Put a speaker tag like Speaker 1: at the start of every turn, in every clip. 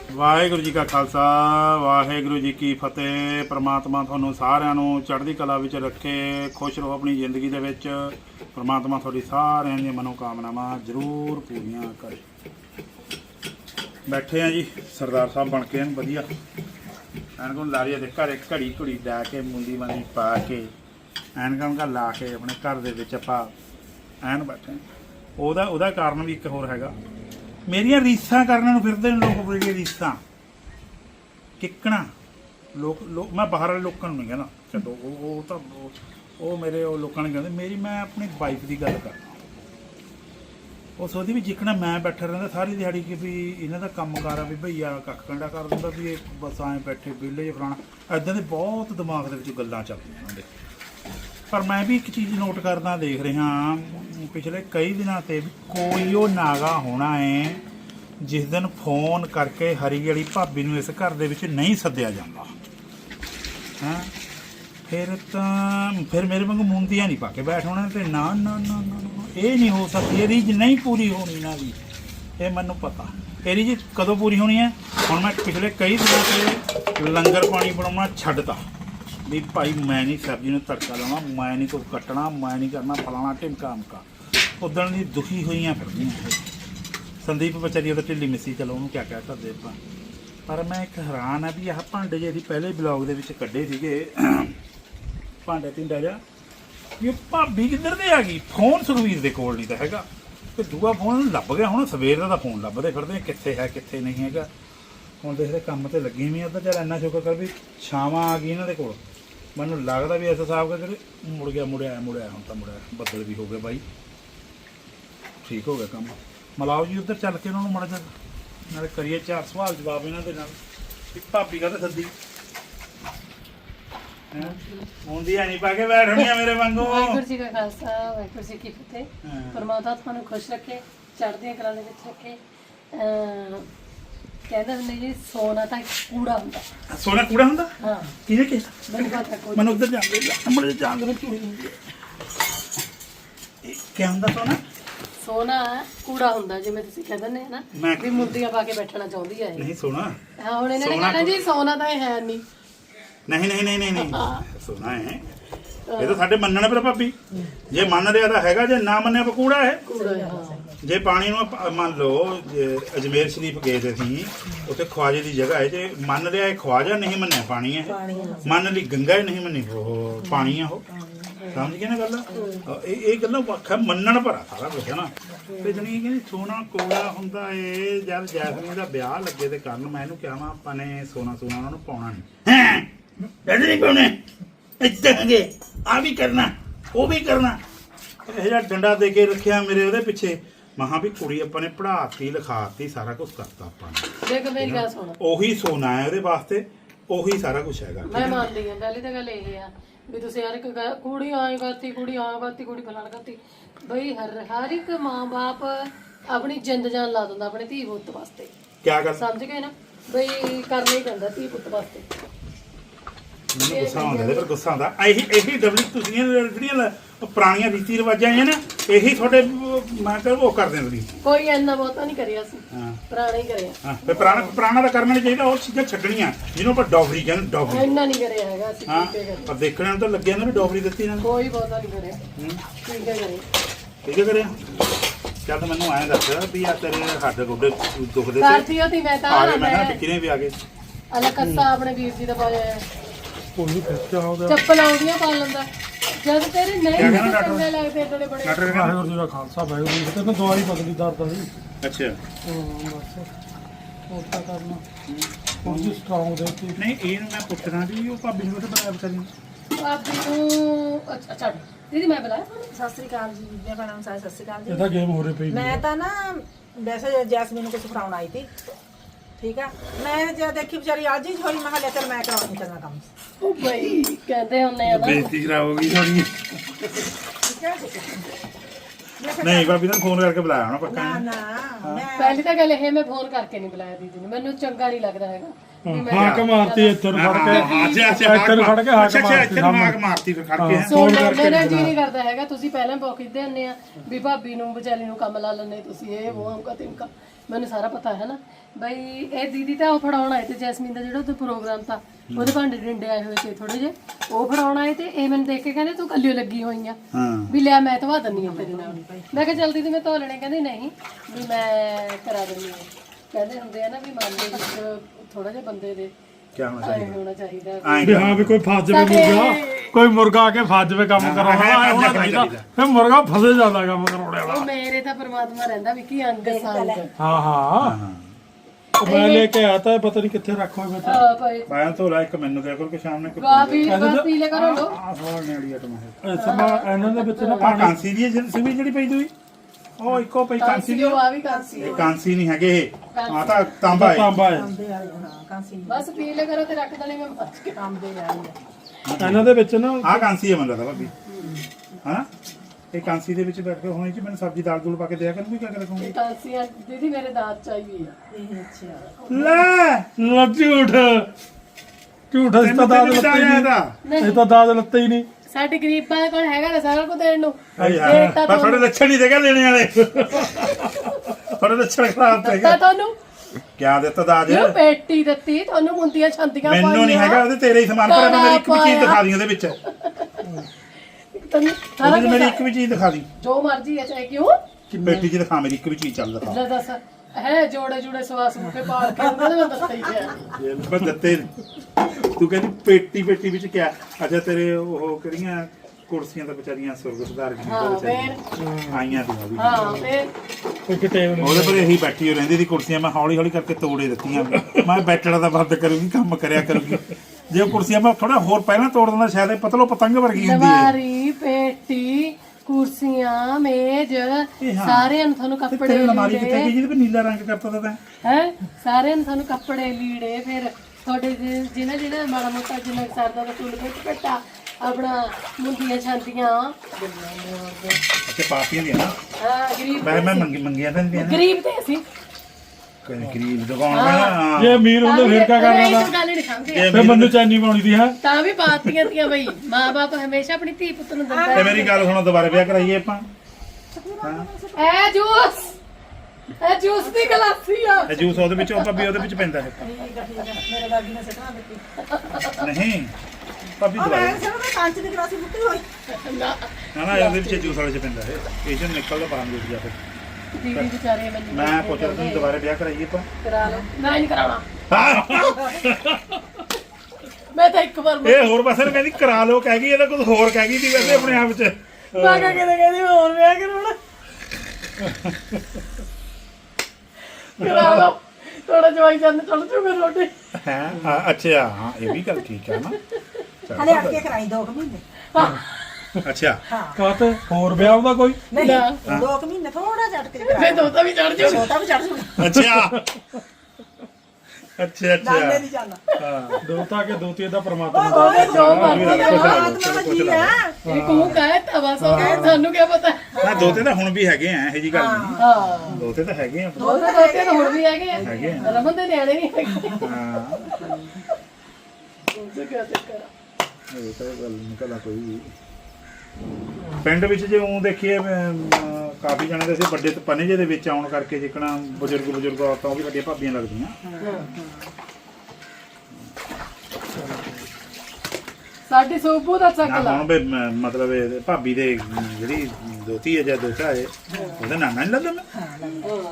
Speaker 1: ਵਾਹਿਗੁਰੂ ਜੀ ਕਾ ਖਾਲਸਾ ਵਾਹਿਗੁਰੂ ਜੀ ਕੀ ਫਤਿਹ। ਪ੍ਰਮਾਤਮਾ ਤੁਹਾਨੂੰ ਸਾਰਿਆਂ ਨੂੰ ਚੜ੍ਹਦੀ ਕਲਾ ਵਿੱਚ ਰੱਖੇ, ਖੁਸ਼ ਰਹੋ ਆਪਣੀ ਜ਼ਿੰਦਗੀ ਦੇ ਵਿੱਚ। ਪ੍ਰਮਾਤਮਾ ਤੁਹਾਡੀ ਸਾਰਿਆਂ ਦੀਆਂ ਮਨੋਕਾਮਨਾਵਾਂ ਜ਼ਰੂਰ ਪੂਰੀਆਂ ਕਰੇ। ਬੈਠੇ ਆ ਜੀ ਸਰਦਾਰ ਸਾਹਿਬ ਬਣ ਕੇ ਵਧੀਆ ਐਨਕਾਂ ਲਾਰੀਆ ਦੇ ਘਰ ਘੜੀ ਘੜੀ ਲਾ ਕੇ ਮੁੰਦੀ ਮਾਨੀ ਪਾ ਕੇ ਐਨਕਾਂ ਲਾ ਕੇ ਆਪਣੇ ਘਰ ਦੇ ਵਿੱਚ ਆਪਾਂ ਐਨ ਬੈਠੇ। ਉਹਦਾ ਕਾਰਨ ਵੀ ਇੱਕ ਹੋਰ ਹੈਗਾ, ਮੇਰੀਆਂ ਰੀਸਾਂ ਕਰਨ ਨੂੰ ਫਿਰਦੇ ਨੇ ਲੋਕ। ਮੇਰੀਆਂ ਰੀਸਾਂ ਕਿੱਕਣਾ ਲੋਕ ਮੈਂ ਬਾਹਰ ਵਾਲੇ ਲੋਕਾਂ ਨੂੰ ਨਹੀਂ ਕਹਿੰਦਾ, ਛੱਡੋ ਉਹ ਤਾਂ ਉਹ ਮੇਰੇ ਉਹ ਲੋਕਾਂ ਨੇ ਕਹਿੰਦੇ ਮੇਰੀ। ਮੈਂ ਆਪਣੀ ਵਾਈਫ ਦੀ ਗੱਲ ਕਰਦਾ। ਉਹ ਸੋਚਦੀ ਵੀ ਜਿੱਕਣਾ ਮੈਂ ਬੈਠਾ ਰਹਿੰਦਾ ਸਾਰੀ ਦਿਹਾੜੀ ਕਿ ਵੀ ਇਹਨਾਂ ਦਾ ਕੰਮ ਕਾਰ ਆ ਵੀ ਭਈਆ ਕੱਖ ਕੰਡਾ ਕਰ ਦਿੰਦਾ ਵੀ ਇਹ ਬਸ ਐਂ ਬੈਠੇ ਵਿਹਲੇ ਜਿਹੇ ਫਲਾਣਾ। ਇੱਦਾਂ ਦੇ ਬਹੁਤ ਦਿਮਾਗ ਦੇ ਵਿੱਚ ਗੱਲਾਂ ਚੱਲਦੀਆਂ ਉਹਨਾਂ ਦੇ। ਪਰ ਮੈਂ ਵੀ ਇੱਕ ਚੀਜ਼ ਨੋਟ ਕਰਦਾ, ਦੇਖ ਰਿਹਾ ਪਿਛਲੇ ਕਈ ਦਿਨਾਂ ਤੇ ਕੋਈ ਉਹ ਨਾਗਾ ਹੋਣਾ ਹੈ ਜਿਸ ਦਿਨ ਫੋਨ ਕਰਕੇ ਹਰੀ ਵਾਲੀ ਭਾਬੀ ਨੂੰ ਇਸ ਘਰ ਦੇ ਵਿੱਚ ਨਹੀਂ ਸੱਦਿਆ ਜਾਂਦਾ ਹੈ। ਫਿਰ ਮੇਰੇ ਵਾਂਗ ਮੁੰਦੀਆਂ ਨਹੀਂ ਪਾ ਕੇ ਬੈਠ ਹੋਣਾ ਤੇ ਨਾ ਨਾ ਨਾ ਨਾ ਇਹ ਨਹੀਂ ਹੋ ਸਕਦੀ। ਇਹ ਰੀਝ ਨਹੀਂ ਪੂਰੀ ਹੋਣੀ ਨਾ ਵੀ, ਇਹ ਮੈਨੂੰ ਪਤਾ। ਇਹ ਰੀਝ ਕਦੋਂ ਪੂਰੀ ਹੋਣੀ ਹੈ? ਹੁਣ ਮੈਂ ਪਿਛਲੇ ਕਈ ਦਿਨਾਂ ਤੇ ਲੰਗਰ ਪਾਣੀ ਬਣਾਉਣਾ ਛੱਡਤਾ ਵੀ ਭਾਈ ਮੈਂ ਨਹੀਂ ਸਬਜ਼ੀ ਨੂੰ ਤੜਕਾ ਲਾਉਣਾ, ਮੈਂ ਨਹੀਂ ਕੁਛ ਕੱਟਣਾ, ਮੈਂ ਨਹੀਂ ਕਰਨਾ ਫਲਾਣਾ ਢਿਮਕਾ ਅਮਕਾ। ਉੱਦਣ ਦੀ ਦੁਖੀ ਹੋਈਆਂ ਫਿਰਦੀਆਂ ਸੰਦੀਪ ਵਿਚਾਰੀ ਉਹਦਾ ਢਿੱਲੀ ਮਿੱਸੀ, ਚਲੋ ਉਹਨੂੰ ਕਿਆ ਕਹਿ ਸਕਦੇ ਆਪਾਂ। ਪਰ ਮੈਂ ਇੱਕ ਹੈਰਾਨ ਆ ਵੀ ਆਹ ਭਾਂਡੇ ਜੇ ਅਸੀਂ ਪਹਿਲੇ ਬਲੌਗ ਦੇ ਵਿੱਚ ਕੱਢੇ ਸੀਗੇ ਭਾਂਡੇ ਟਿੰਡਾ ਜਿਹਾ, ਵੀ ਉਹ ਭਾਬੀ ਕਿੱਧਰ ਦੇ ਆ ਗਈ। ਫੋਨ ਸੁਖਵੀਰ ਦੇ ਕੋਲ ਨਹੀਂ ਤਾਂ ਹੈਗਾ, ਤੇ ਦੂਆ ਫੋਨ ਲੱਭ ਗਿਆ। ਹੁਣ ਸਵੇਰ ਦਾ ਤਾਂ ਫੋਨ ਲੱਭਦੇ ਫਿਰਦੇ ਕਿੱਥੇ ਹੈ ਕਿੱਥੇ ਨਹੀਂ ਹੈਗਾ। ਹੁਣ ਦੇਖਦੇ ਕੰਮ ਤੇ ਲੱਗੀ ਵੀ ਅੱਧਾ। ਚੱਲ ਇੰਨਾ ਸ਼ੁਕਰ ਕਰ ਵੀ ਛਾਵਾਂ ਆ ਗਈ ਇਹਨਾਂ ਦੇ ਕੋਲ। ਮੈਨੂੰ ਲੱਗਦਾ ਵੀ ਇਸ ਹਿਸਾਬ ਕਰਕੇ ਮੁੜਿਆ ਹੁਣ ਤਾਂ ਮੁੜਿਆ। ਬੱਦਲ ਵੀ ਹੋ ਗਏ ਬਾਈ, ਠੀਕ ਹੋ ਗਿਆ ਕੰਮ। ਮਲਾਓ ਜੀ ਉੱਧਰ ਚੱਲ ਕੇ ਉਹਨਾਂ ਨੂੰ ਮੜ ਜਾ ਨਾਲੇ ਕਰੀਏ ਚਾਰ ਸਵਾਲ ਜਵਾਬ ਇਹਨਾਂ ਦੇ ਨਾਲ ਵੀ ਭਾਬੀ ਕਾ ਤਾਂ ਸੱਦੀ ਹੁੰਦੀ ਨਹੀਂ ਪਾ ਕੇ ਬੈਠ ਹੋਣੀਆਂ ਮੇਰੇ ਵਾਂਗੂ।
Speaker 2: ਵਾਹਿਗੁਰੂ ਜੀ ਕਾ ਖਾਲਸਾ ਵਾਹਿਗੁਰੂ ਜੀ ਕੀ ਫਤਿਹ। ਪਰਮਾਤਮਾ ਤੁਹਾਨੂੰ ਖੁਸ਼ ਰੱਖੇ, ਚੜ੍ਹਦੀਆਂ ਕਲਾਂ ਦੇ ਵਿੱਚ ਰੱਖੇ। ਕਹਿੰਦੇ ਹੁੰਦੇ ਜੀ ਸੋਨਾ ਤਾਂ ਕੂੜਾ ਹੁੰਦਾ।
Speaker 1: ਸੋਨਾ ਕੂੜਾ ਹੁੰਦਾ?
Speaker 2: ਹਾਂ
Speaker 1: ਕਿਹਨੇ ਕਿਹਾ?
Speaker 2: ਮੈਨੂੰ ਪਤਾ ਕੋਈ।
Speaker 1: ਮੈਨੂੰ ਉੱਧਰ ਜਾਂਦੇ ਬੜੇ ਜਾਂਦੇ ਨੇ ਚੂੜੀ ਹੁੰਦੀ ਹੈ। ਇਹ ਕੀ ਹੁੰਦਾ ਸੋਨਾ?
Speaker 2: ਸੋਨਾ ਕੂੜਾ ਹੁੰਦਾ, ਜਿਵੇਂ ਤੁਸੀਂ ਕਹਿ ਦਿੰਦੇ ਨਾ ਵੀ ਮੁੰਦੀਆਂ ਪਾ ਕੇ ਬੈਠਣਾ ਚਾਹੁੰਦੀ ਹੈ।
Speaker 1: ਨਹੀਂ ਸੋਨਾ।
Speaker 2: ਹਾਂ ਹੁਣ ਇਹਨਾਂ ਨੇ ਕਹਿਣਾ ਜੀ ਸੋਨਾ ਤਾਂ ਇਹ ਹੈ ਨਹੀਂ।
Speaker 1: ਨਹੀਂ ਸੋਨਾ ਹੈ ਇਹ ਤਾਂ ਸਾਡੇ ਮੰਨਣਾ ਪਰ ਭਾਬੀ। ਜੇ ਮੰਨ ਲਿਆ ਤਾਂ ਹੈਗਾ, ਜੇ ਨਾ ਮੰਨਿਆ ਤਾਂ ਕੂੜਾ ਹੈ। ਜੇ ਪਾਣੀ ਨੂੰ ਮੰਨ ਲਓ ਅਜਮੇਰ ਸ਼ਰੀਫ ਗਏ ਤੇ ਅਸੀਂ, ਉੱਥੇ ਖਵਾਜੇ ਦੀ ਜਗ੍ਹਾ ਹੈ। ਜੇ ਮੰਨ ਲਿਆ ਇਹ ਖਵਾਜਾ, ਨਹੀਂ ਮੰਨਿਆ ਪਾਣੀ ਹੈ। ਮੰਨ ਲਈ ਗੰਗਾ ਹੀ, ਨਹੀਂ ਮੰਨੀ ਉਹ ਪਾਣੀ ਆ। ਉਹ ਸਮਝ ਗਏ ਨਾ ਗੱਲ? ਇਹ ਗੱਲਾਂ ਵੱਖਾ ਮੰਨਣ ਭਰਾ ਸਾਰਾ ਕੁਝ ਹੈ ਨਾ। ਤੇ ਜਣੀ ਕਹਿੰਦੀ ਸੋਨਾ ਕੂੜਾ ਹੁੰਦਾ ਏ। ਜਦ ਜੈਸਮੀਨ ਦਾ ਵਿਆਹ ਲੱਗੇ ਤੇ ਕਰਨ, ਮੈਂ ਇਹਨੂੰ ਕਿਹਾ ਆਪਾਂ ਨੇ ਸੋਨਾ ਉਹਨਾਂ ਨੂੰ ਪਾਉਣਾ ਨਹੀਂ ਹੈ। ਡੈਡੀ ਨਹੀਂ ਪਾਉਣੇ, ਇੱਦਾਂ ਹੈਗੇ ਆ ਵੀ ਕਰਨਾ ਉਹ ਵੀ ਕਰਨਾ। ਇਹ ਜਿਹੜਾ ਡੰਡਾ ਦੇ ਕੇ ਰੱਖਿਆ ਮੇਰੇ ਉਹਦੇ ਪਿੱਛੇ। ਮਹਾ ਵੀ ਕੁੜੀ ਆਪਾਂ ਨੇ ਪੜ੍ਹਾਤੀ ਲਿਖਾਤੀ ਸਾਰਾ ਕੁਝ ਕਰਤਾ ਆਪਾਂ ਨੇ।
Speaker 2: ਦੇਖ ਮੇਰੀ ਗੱਲ ਸੁਣ,
Speaker 1: ਉਹੀ ਸੋਨਾ ਹੈ ਉਹਦੇ ਵਾਸਤੇ, ਉਹੀ ਸਾਰਾ ਕੁਝ ਹੈਗਾ।
Speaker 2: ਮੈਂ ਮੰਨਦੀ ਹਾਂ। ਪਹਿਲੀ ਤਾਂ ਗੱਲ ਇਹ ਆ ਵੀ ਤੁਸੀਂ ਹਰ ਇੱਕ ਕੁੜੀ ਆਏ ਕਰਤੀ, ਕੁੜੀ ਫਲਾਣ ਕਰਤੀ। ਬਈ ਹਰ ਇੱਕ ਮਾਂ ਬਾਪ ਆਪਣੀ ਜਿੰਦ ਜਾਨ ਲਾ ਦਿੰਦਾ ਆਪਣੇ ਧੀ ਪੁੱਤ ਵਾਸਤੇ।
Speaker 1: ਕਿਆ ਕਰ
Speaker 2: ਸਮਝ ਗਏ ਨਾ? ਬਈ ਕਰਨਾ ਹੀ ਪੈਂਦਾ ਧੀ ਪੁੱਤ ਵਾਸਤੇ।
Speaker 1: ਮੈਨੂੰ ਗੁੱਸਾ ਆਉਂਦਾ ਇਹਦੇ ਪਰ, ਗੁੱਸਾ ਆਉਂਦਾ। ਇਹੀ ਡਬਲੀ ਤੁਸੀਂ ਜਿਹੜੀਆਂ ਪੁਰਾਣੀਆਂ ਰੀਤੀ ਰਿਵਾਜਾਂ ਆਈਆਂ ਨਾ, ਇਹੀ ਤੁਹਾਡੇ ਮੈਂ ਕਿਹਾ ਉਹ ਕਰਦੇ ਤੁਸੀਂ।
Speaker 2: ਕੋਈ ਇੰਨਾ ਬਹੁਤਾ ਨਹੀਂ ਕਰਿਆ ਸੀ, ਪੁਰਾਣਾ ਹੀ ਕਰਿਆ।
Speaker 1: ਹਾਂ ਤੇ ਪੁਰਾਣਾ ਤਾਂ ਕਰਨਾ ਨਹੀਂ ਚਾਹੀਦਾ। ਉਹ ਚੀਜ਼ਾਂ ਛੱਡਣੀਆਂ ਜਿਹਨੂੰ ਆਪਾਂ ਡੋਗਰੀ ਕਹਿੰਦੇ। ਡੋਗਰੀ
Speaker 2: ਇੰਨਾ ਨਹੀਂ ਕਰਿਆ ਹੈਗਾ ਅਸੀਂ।
Speaker 1: ਹਾਂ ਪਰ ਦੇਖਣ ਨੂੰ ਤਾਂ ਲੱਗਿਆ ਨਾ ਵੀ ਡੋਗਰੀ ਦਿੱਤੀ ਇਹਨਾਂ ਨੇ।
Speaker 2: ਕੋਈ ਬਹੁਤਾ ਨਹੀਂ ਕਰਿਆ। ਠੀਕ ਹੈ ਕਰਿਆ।
Speaker 1: ਠੀਕ ਹੈ ਕਰਿਆ। ਚੱਲ ਮੈਨੂੰ ਐਂ ਦੱਸ ਵੀ ਆ ਤੇਰੇ ਹੱਡ ਗੋਡੇ ਦੁਖਦੇ
Speaker 2: ਕਰਤੀ ਉਹਦੀ ਮੈਂ ਤਾਂ
Speaker 1: ਆ ਗਏ। ਮੈਂ ਕਿਹਾ ਵਿੱਕੀ ਨੇ ਵੀ ਆ ਗਏ।
Speaker 2: ਅਲਾ ਕੱਸਾ ਆਪਣੇ ਵੀਰ ਜੀ ਦਾ ਪਾਇਆ
Speaker 1: ਕੋਈ ਖਰਚਾ ਉਹਦਾ
Speaker 2: ਚੱਪਲ ਆਉਂਦੀਆਂ ਪਾ ਲੈਂਦਾ। ਜਦ ਤੇਰੇ ਨਹੀਂ ਚੰਗੇ ਲੱਗਦੇ ਏਡੇ ਬੜੇ।
Speaker 1: ਵਾਹਿਗੁਰੂ
Speaker 3: ਜੀ ਦਾ ਖਾਲਸਾ ਵਾਹਿਗੁਰੂ ਜੀ ਤੇ ਦਵਾਈ ਬਦਲੀ ਦਰਦ ਦੀ।
Speaker 1: ਅੱਛਾ
Speaker 3: ਬਸ ਉਹ ਤਾਂ ਕਰਨਾ ਹੁਣ ਜੀ ਸਟਰੋਂਗ ਦੇ ਕੇ।
Speaker 1: ਨਹੀਂ ਇਹਨੂੰ ਮੈਂ ਪੁੱਛਣਾ ਵੀ ਉਹ ਭਾਬੀ ਨੂੰ ਤਾਂ ਬਣਾ ਵਿਚਾਰੀ
Speaker 2: ਭਾਬੀ ਨੂੰ। ਅੱਛਾ ਦੀਦੀ ਮੈਂ ਬੁਲਾਇਆ।
Speaker 4: ਸਤਿ ਸ੍ਰੀ ਅਕਾਲ ਜੀ, ਮੈਂ ਬਣਾਉਂ ਸਾਰੇ ਸਤਿ ਸ੍ਰੀ ਅਕਾਲ ਜੀ।
Speaker 3: ਇਹਦਾ ਗੇਮ ਹੋ ਰਹੀ ਪਈ।
Speaker 4: ਮੈਂ ਤਾਂ ਨਾ ਵੈਸੇ ਜੈਸਮੀਨ ਨੂੰ ਕੁਝ ਫੜਾਉਣ ਆਈ ਸੀ, ਠੀਕ ਆ। ਮੈਂ ਜਦ ਦੇਖੀ ਵਿਚਾਰੀ ਅੱਜ ਹੀ ਹੋਈ, ਮੈਂ ਕਿਹਾ ਚੱਲ ਮੈਂ ਕਰਾਉਣੀ ਕਰਨਾ ਕੰਮ।
Speaker 2: ਉਹ ਬਈ ਕਹਿੰਦੇ ਹੁੰਦੇ ਆ ਨਾ
Speaker 1: ਬੇਇੱਜ਼ਤੀ ਖਰਾਬ ਹੋ ਗਈ ਸਾਡੀ।
Speaker 4: ਠੀਕ ਹੈ
Speaker 1: ਨਹੀਂ ਭਾਬੀ ਨੇ ਫੋਨ ਕਰਕੇ ਬੁਲਾਇਆ ਹੋਣਾ ਪੱਕਾ।
Speaker 4: ਨਾ ਮੈਂ
Speaker 2: ਪਹਿਲੀ ਤਾਂ ਗੱਲ ਇਹ, ਮੈਂ ਫੋਨ ਕਰਕੇ ਨਹੀਂ ਬੁਲਾਇਆ ਦੀਦੀ ਨੂੰ। ਮੈਨੂੰ ਚੰਗਾ ਨਹੀਂ ਲੱਗਦਾ ਹੈਗਾ ਵੀ ਮੈਂ
Speaker 3: ਹਾਕ ਮਾਰਤੀ ਇੱਥੇ ਨੂੰ ਫੜ ਕੇ ਇੱਥੇ ਨੂੰ ਫੜ ਕੇ ਹਾਕ ਮਾਰਤੀ
Speaker 1: ਇੱਥੇ ਨੂੰ ਹਾਕ ਮਾਰਤੀ ਫਿਰ ਖੜ ਕੇ
Speaker 2: ਸੋ ਮੇਰਾ ਜੀ ਨਹੀਂ ਕਰਦਾ ਹੈਗਾ ਤੁਸੀਂ ਪਹਿਲਾਂ ਪੋਕਿਦੇ ਹੁੰਦੇ ਆ ਵੀ ਭਾਬੀ ਨੂੰ ਵਿਚਾਰੀ ਨੂੰ ਕੰਮ ਲਾ ਲੈਣੇ ਤੁਸੀਂ ਇਹ ਉਹ ਹਮਕਾ ਤਿਮਕਾ ਮੈਨੂੰ ਸਾਰਾ ਪਤਾ ਹੈ ਨਾ ਬਈ ਇਹ ਦੀਦੀ ਤਾਂ ਉਹ ਫੜਾਉਣ ਆਏ ਤੇ ਜੈਸਮੀਨ ਦਾ ਜਿਹੜਾ ਉੱਥੇ ਪ੍ਰੋਗਰਾਮ ਤਾਂ ਉਹਦੇ ਭਾਂਡੇ ਡਿੰਡੇ ਆਏ ਹੋਏ ਸੀ ਥੋੜੇ ਜਿਹੇ ਉਹ ਫੜਾਉਣ ਆਏ ਤੇ ਇਹ ਮੈਨੂੰ ਦੇਖ ਕੇ ਕਹਿੰਦੇ ਤੂੰ ਕੱਲਿਓ ਲੱਗੀ ਹੋਈ ਆ ਵੀ ਲਿਆ ਮੈਂ ਧਵਾ ਦਿੰਦੀ ਆ ਤੇਰੇ ਨਾਲ ਮੈਂ ਕਿਹਾ ਚੱਲ ਦੀਦੀ ਮੈਂ ਧੋ ਲੈਣੇ ਕਹਿੰਦੀ ਨਹੀਂ ਵੀ ਮੈਂ ਕਰਾ ਦਿੰਦੀ ਆ ਕਹਿੰਦੇ ਹੁੰਦੇ ਆ ਨਾ ਵੀ ਮਨ ਦੇ ਵਿੱਚ ਥੋੜਾ ਜਿਹਾ ਬੰਦੇ ਦੇ
Speaker 1: ਕੀ ਹੋਣਾ
Speaker 2: ਚਾਹੀਦਾ
Speaker 3: ਵੀ ਹਾਂ ਵੀ ਕੋਈ ਫਸ ਜਾਵੇ ਮੁਰਗਾ ਕੋਈ ਮੁਰਗਾ ਆ ਕੇ ਫਸ ਜਾਵੇ ਕੰਮ ਕਰਾਉਣਾ ਆਏ ਹੋਣਾ ਚਾਹੀਦਾ ਫਿਰ ਮੁਰਗਾ ਫਸੇ ਜਾਂਦਾ ਕੰਮ ਕਰਾਉਣੇ ਵਾਲਾ
Speaker 2: ਉਹ ਮੇਰੇ ਤਾਂ ਪਰਮਾਤਮਾ ਰਹਿੰਦਾ ਵੀ ਕੀ ਅੰਗ ਸੰਗ
Speaker 3: ਹਾਂ ਹਾਂ ਉਹ ਮੈਂ ਲੈ ਕੇ ਆਇਆ ਤਾਂ ਪਤਾ ਨਹੀਂ ਕਿੱਥੇ ਰੱਖ ਹੋਏ ਵਿੱਚ
Speaker 2: ਭਾਈ
Speaker 1: ਬਾਹਾਂ ਤੋਂ ਲਾ ਇੱਕ ਮੈਨੂੰ ਦੇ ਕੋਲ ਸ਼ਾਮ ਨੇ
Speaker 2: ਵਾਹ ਪੀ ਲੈ ਕਰੋ ਲੋ
Speaker 1: ਆ ਥੋੜਾ ਨੇੜੀ ਟਮ ਹੈ
Speaker 3: ਸਮਾਂ ਇਹਨਾਂ ਦੇ ਵਿੱਚ ਨਾ
Speaker 1: ਆ
Speaker 3: ਪਾਣੀ
Speaker 1: ਕਾਂਸੀ ਦੀ ਸਿਵੀ ਜਿਹੜੀ ਪਈ ਦੂਈ ਉਹ ਇੱਕੋ ਪਈ ਕਾਂਸੀ ਦੀ
Speaker 2: ਆ ਵੀ ਕਾਂਸੀ
Speaker 1: ਇਹ ਕਾਂਸੀ ਨਹੀਂ ਹੈਗੇ ਇਹ ਆ ਤਾਂ ਤਾਂਬਾ ਹੈ
Speaker 3: ਤਾਂਬਾ ਹੈ
Speaker 4: ਹਾਂ ਕਾਂਸੀ
Speaker 2: ਬਸ ਪੀ ਲੈ ਕਰੋ ਤੇ ਰੱਖ ਦਣੀ ਮੈਂ ਬਚ ਕੇ
Speaker 4: ਤਾਂਬੇ ਵਾਲੀ
Speaker 3: ਇਹਨਾਂ ਦੇ ਵਿੱਚ ਨਾ
Speaker 1: ਆ ਕਾਂਸੀ ਹੈ ਮੈਨੂੰ ਲੱਗਦਾ ਭਾਬੀ ਹਾਂ ਇਹ ਕਾਂਸੀ ਦੇ ਵਿੱਚ ਬੈਠ ਕੇ ਹੋਣੀ ਚ ਮੈਨੂੰ ਸਬਜ਼ੀ ਦਾਲ ਦੂਲ ਪਾ ਕੇ ਦਿਆ ਕਰੂੰਗੀ ਕਿਆ ਕਰੂੰਗੀ
Speaker 2: ਕਾਂਸੀਆਂ ਦੀਦੀ ਮੇਰੇ ਦਾਤ ਚਾਹੀਏ ਆ
Speaker 4: ਇਹ ਅੱਛਾ
Speaker 1: ਲੈ
Speaker 3: ਝੂਠ ਝੂਠ ਇਸ ਤਾਂ ਦਾਦ ਲੱਤੇ ਹੀ ਨਹੀਂ ਇਹ ਤਾਂ ਦਾਦ ਲੱਤੇ ਹੀ ਨਹੀਂ
Speaker 2: ਸਾਡੇ ਗਰੀਬਾਂ ਕੋਲ ਹੈਗਾ ਨਾ ਸਾਰਾ ਕੁਝ ਦੇਣ ਨੂੰ
Speaker 1: ਪਰ ਥੋੜੇ ਲੱਛਣ ਨਹੀਂ ਦੇਗਾ ਲੈਣੇ ਵਾਲੇ ਥੋੜੇ ਲੱਛਣ ਖਰਾਬ ਤੇ
Speaker 2: ਦਿੱਤਾ ਤੁਹਾਨੂੰ
Speaker 1: ਕਿਆ ਦਿੱਤਾ ਦਾਜ
Speaker 2: ਇਹ ਪੇਟੀ ਦਿੱਤੀ ਤੁਹਾਨੂੰ ਮੁੰਦੀਆਂ ਛੰਦੀਆਂ ਪਾਈਆਂ
Speaker 1: ਮੈਨੂੰ ਨਹੀਂ ਹੈਗਾ ਉਹਦੇ ਤੇਰੇ ਹੀ ਸਮਾਨ ਪਰ ਮੇਰੀ ਇੱਕ ਵੀ ਚੀਜ਼ ਦਿਖਾ ਦੀ ਉਹਦੇ ਵਿੱਚ
Speaker 2: ਤੈਨੂੰ ਸਾਰਾ
Speaker 1: ਉਹਦੇ ਮੇਰੀ ਇੱਕ ਵੀ ਚੀਜ਼ ਦਿਖਾ ਦੀ
Speaker 2: ਜੋ ਮਰਜ਼ੀ ਹੈ ਚਾਹੇ ਕਿਉਂ
Speaker 1: ਕਿ ਬੇਟੀ ਜੀ ਦਿਖਾ ਮੇਰੀ ਇੱਕ ਵੀ ਚੀਜ਼ ਚੱਲ ਦਿਖਾ
Speaker 2: ਲੈ ਦੱਸ ਹੈ ਜੋੜੇ ਜੋੜੇ ਸਵਾਸ ਮੁਕੇ ਪਾਲ ਕੇ ਉਹਨਾਂ ਨੇ ਦੱਸਿਆ ਹੀ ਹੈ
Speaker 1: ਬਸ ਦਿੱਤੇ ਤੂੰ ਕਹਿੰਦੀ ਪੇਟੀ ਪੇਟੀ ਵਿੱਚ ਕਿਆ ਅੱਛਾ ਤੇਰੇ ਉਹ ਕਿਹੜੀਆਂ ਕੁਰਸੀਆਂ ਤਾਂ ਵਿਚਾਰੀਆਂ ਸੁਰਗ ਸੁਧਾਰ
Speaker 2: ਹਾਂ
Speaker 1: ਗਈਆਂ
Speaker 2: ਫੇਰ
Speaker 1: ਆਈਆਂ ਦੀਆਂ ਵੀ
Speaker 2: ਹਾਂ ਫੇਰ
Speaker 3: ਕੋਈ ਕਿਤੇ
Speaker 1: ਉਹਦੇ ਪਰ ਇਹੀ ਬੈਠੀ ਹੋ ਰਹਿੰਦੀ ਦੀ ਕੁਰਸੀਆਂ ਮੈਂ ਹੌਲੀ ਹੌਲੀ ਕਰਕੇ ਤੋੜੇ ਦਿੱਤੀਆਂ ਮੈਂ ਬੈਠਣਾ ਤਾਂ ਬੰਦ ਕਰੂੰਗੀ ਕੰਮ ਕਰਿਆ ਕਰੂੰਗੀ ਜੇ ਉਹ ਕੁਰਸੀਆਂ ਮੈਂ ਥੋੜਾ ਹੋਰ ਪਹਿਲਾਂ ਤੋੜ ਦਿੰਦਾ ਸ਼ਾਇਦ ਇਹ ਪਤਲੋ ਪਤੰਗ ਵਰਗੀ ਹੁੰਦੀ ਹੈ
Speaker 2: ਲਵਾਰੀ ਪੇਟੀ ਕੁਰਸੀਆਂ ਮੇਜ਼ ਸਾਰਿਆਂ ਨੂੰ ਤੁਹਾਨੂੰ ਕੱਪੜੇ
Speaker 1: ਤੇਰੀ ਅਲਮਾਰੀ
Speaker 2: ਲੀੜੇ
Speaker 1: ਕਿੱਥੇ ਗਈ ਜਿਹਦੇ ਤੇ ਨੀਲਾ ਰੰਗ ਕਰਤਾ ਤਾ ਤੈਂ
Speaker 2: ਹੈ ਸਾਰਿਆਂ ਨੂੰ ਤੁਹਾਨੂੰ ਕੱਪੜੇ ਲੀੜੇ ਫਿਰ ਤੁਹਾਡੇ ਜਿਹਨਾਂ ਮਾੜਾ ਮੋਟਾ ਜਿੰਨਾ ਸਰਦਾ ਦਾ ਟੁੱਲ ਘਟਾ ਆਪਣਾ ਮੁੰਦੀਆਂ ਛਾਂਦੀਆਂ
Speaker 1: ਅੱਛਾ ਪਾਪੀਆਂ ਦੀਆਂ ਨਾ
Speaker 2: ਹਾਂ ਗਰੀਬ
Speaker 1: ਮੈਂ ਮੰਗੀਆਂ ਤਾਂ ਨਹੀਂ
Speaker 2: ਗਰੀਬ ਤੇ ਅਸੀਂ
Speaker 1: ਕੋਈ ਗਰੀਬ ਦੁਕਾਨ ਮੈਂ
Speaker 3: ਜੇ ਅਮੀਰ ਹੁੰਦੇ ਫਿਰ ਕੀ ਕਰਨਾ
Speaker 2: ਇਹ ਤਾਂ ਗੱਲ ਨਹੀਂ ਖਾਂਦੇ
Speaker 3: ਫਿਰ ਮੈਨੂੰ ਚੈਨੀ ਪਾਉਣੀ ਦੀ ਹੈ
Speaker 2: ਤਾਂ ਵੀ ਬਾਤੀਆਂ ਤੀਆਂ ਬਈ ਮਾਂ-ਬਾਪ ਹਮੇਸ਼ਾ ਆਪਣੀ ਧੀ ਪੁੱਤ ਨੂੰ ਦਿੰਦਾ
Speaker 1: ਤੇ ਮੇਰੀ ਗੱਲ ਸੁਣੋ ਦੁਬਾਰਾ ਵਿਆਹ ਕਰਾਈਏ ਆਪਾਂ
Speaker 2: ਇਹ ਜੂਸ ਦੀ ਗਲਾਸੀ ਆ
Speaker 1: ਇਹ ਜੂਸ ਉਹਦੇ ਵਿੱਚ ਉਹ ਭਾਬੀ ਉਹਦੇ ਵਿੱਚ ਪੈਂਦਾ ਹੈ
Speaker 4: ਮੇਰੇ ਦਾਦੀ ਨੇ ਸਿੱਟਣਾ ਦਿੱਤੀ
Speaker 1: ਨਹੀਂ ਭਾਬੀ
Speaker 4: ਉਹ
Speaker 1: ਦੁਬਾਰਾ
Speaker 4: ਮੈਂ ਸਿਰ ਮੈਂ ਕਾਂਚ ਦੀ ਗਲਾਸੀ ਮੁੱਕੀ ਹੋਈ
Speaker 1: ਨਾ ਉਹਦੇ ਵਿੱਚ ਜੂਸ ਵਾਲੇ ਚ ਪੈਂਦਾ ਹੈ ਇਹ ਚ ਨਿਕਲਦਾ ਬਾਹਰ ਨੂੰ ਜਾ ਕੇ
Speaker 2: ਦੀਦੀ ਵਿਚਾਰੇ ਮੈਨੂੰ
Speaker 1: ਮੈਂ ਪੁੱਛਦਾ ਤੁਸੀਂ ਦੁਬਾਰਾ ਵਿਆਹ ਕਰਾਈਏ ਆਪਾਂ
Speaker 2: ਕਰਾ ਲਓ ਮੈਂ ਨਹੀਂ ਕਰਾਉਣਾ ਮੈਂ ਤਾਂ ਇੱਕ ਵਾਰ
Speaker 1: ਇਹ ਹੋਰ ਪਾਸੇ ਨੂੰ ਕਹਿੰਦੀ ਕਰਾ ਲਓ ਕਹਿ ਗਈ ਇਹਦਾ ਕੁਝ ਹੋਰ ਕਹਿ ਗਈ ਸੀ ਵੈਸੇ ਆਪਣੇ ਆਪ ਚ
Speaker 2: ਮੈਂ ਕਿਤੇ ਕਹਿੰਦੀ ਮੈਂ ਹੋਰ ਵਿਆਹ ਕਰਾਉਣਾ ਕਰਾ ਲਓ ਥੋੜਾ ਜਵਾਈ ਜਾਂਦੇ ਚੜ ਜੂਗਾ ਰੋਟੀ
Speaker 1: ਹੈ ਅੱਛਾ ਹਾਂ ਇਹ ਵੀ ਗੱਲ ਠੀਕ ਹੈ ਨਾ
Speaker 4: ਹਲੇ ਅੱਗੇ ਕਰਾਈ 2 ਮਹੀਨੇ
Speaker 1: ਅੱਛਾ
Speaker 4: ਹਾਂ
Speaker 3: ਕਾਤੇ ਹੋਰ ਵਿਆਹ ਉਹਦਾ ਕੋਈ
Speaker 4: ਨਹੀਂ 2 ਮਹੀਨੇ ਥੋੜਾ ਝਟ ਕੇ
Speaker 2: ਮੈਂ
Speaker 4: ਕਰਾਈ
Speaker 2: ਦੋਤਾ ਵੀ ਚੜ ਜੂਗਾ
Speaker 4: ਛੋਟਾ ਵੀ ਚੜ ਜੂਗਾ
Speaker 1: ਅੱਛਾ ਅੱਛਾ
Speaker 4: ਨਾਲੇ
Speaker 1: ਅੱਛਾ
Speaker 4: ਨਹੀਂ ਜਾਣਾ
Speaker 1: ਹਾਂ
Speaker 3: ਦੋਤਾ ਕੇ ਦੋਤੀ ਦਾ
Speaker 4: ਉਹ
Speaker 3: ਪਰਮਾਤਮਾ
Speaker 4: ਉਹਦੇ ਜੋ
Speaker 1: ਵੀ ਰੱਖ ਲਓ,
Speaker 4: ਆਤਮਾ ਦਾ ਜੀ ਹੈ
Speaker 2: ਇਹ ਕਹੂੰ ਕਹੇ ਤਵਾ ਸੋ ਸਾਨੂੰ ਕੀ ਪਤਾ
Speaker 1: ਨਾ ਦੋਤੇ ਤਾਂ ਹੁਣ ਵੀ ਹੈਗੇ ਆ ਇਹੋ ਜੀ ਗੱਲ ਨਹੀਂ
Speaker 2: ਹਾਂ
Speaker 1: ਦੋਤੇ ਤਾਂ ਹੈਗੇ ਆ
Speaker 2: ਦੋਤੇ ਤਾਂ ਹੁਣ ਵੀ ਹੈਗੇ
Speaker 1: ਹੈਗੇ
Speaker 2: ਆ ਰਮਨ ਦੇ ਨਿਆਣੇ ਨਹੀਂ ਹੈਗੇ
Speaker 1: ਹਾਂ
Speaker 2: ਉਹ ਕਿਆ ਚੱਕਰ
Speaker 1: ਇਹ ਤਾਂ ਗੱਲ ਨਿਕਲਾ ਕੋਈ ਵੀ ਪਿੰਡ ਵਿੱਚ ਜੇ ਉਹ ਦੇਖੀਏ ਕਾਫੀ ਜਣੇ ਦੇ ਸੀ ਵੱਡੇ ਪਨੇਜੇ ਦੇ ਵਿੱਚ ਆਉਣ ਕਰਕੇ ਜਿਕਣਾ ਬਜ਼ੁਰਗ ਔਰਤਾਂ ਉਹ ਵੀ ਸਾਡੀਆਂ ਭਾਬੀਆਂ ਲੱਗਦੀਆਂ
Speaker 2: ਸਾਡੀ ਸੋਪੂ ਦਾ
Speaker 1: ਨਾ
Speaker 2: ਚੱਕਲਾ
Speaker 1: ਹੁਣ ਵੀ ਮਤਲਬ ਇਹ ਭਾਬੀ ਦੇ ਜਿਹੜੀ ਦੋਤੀ ਹੈ ਜਾਂ ਦੋਤਾ ਹੈ ਉਹਦਾ ਨਾਨਾ ਨਹੀਂ ਲੱਗਦਾ ਮੈਂ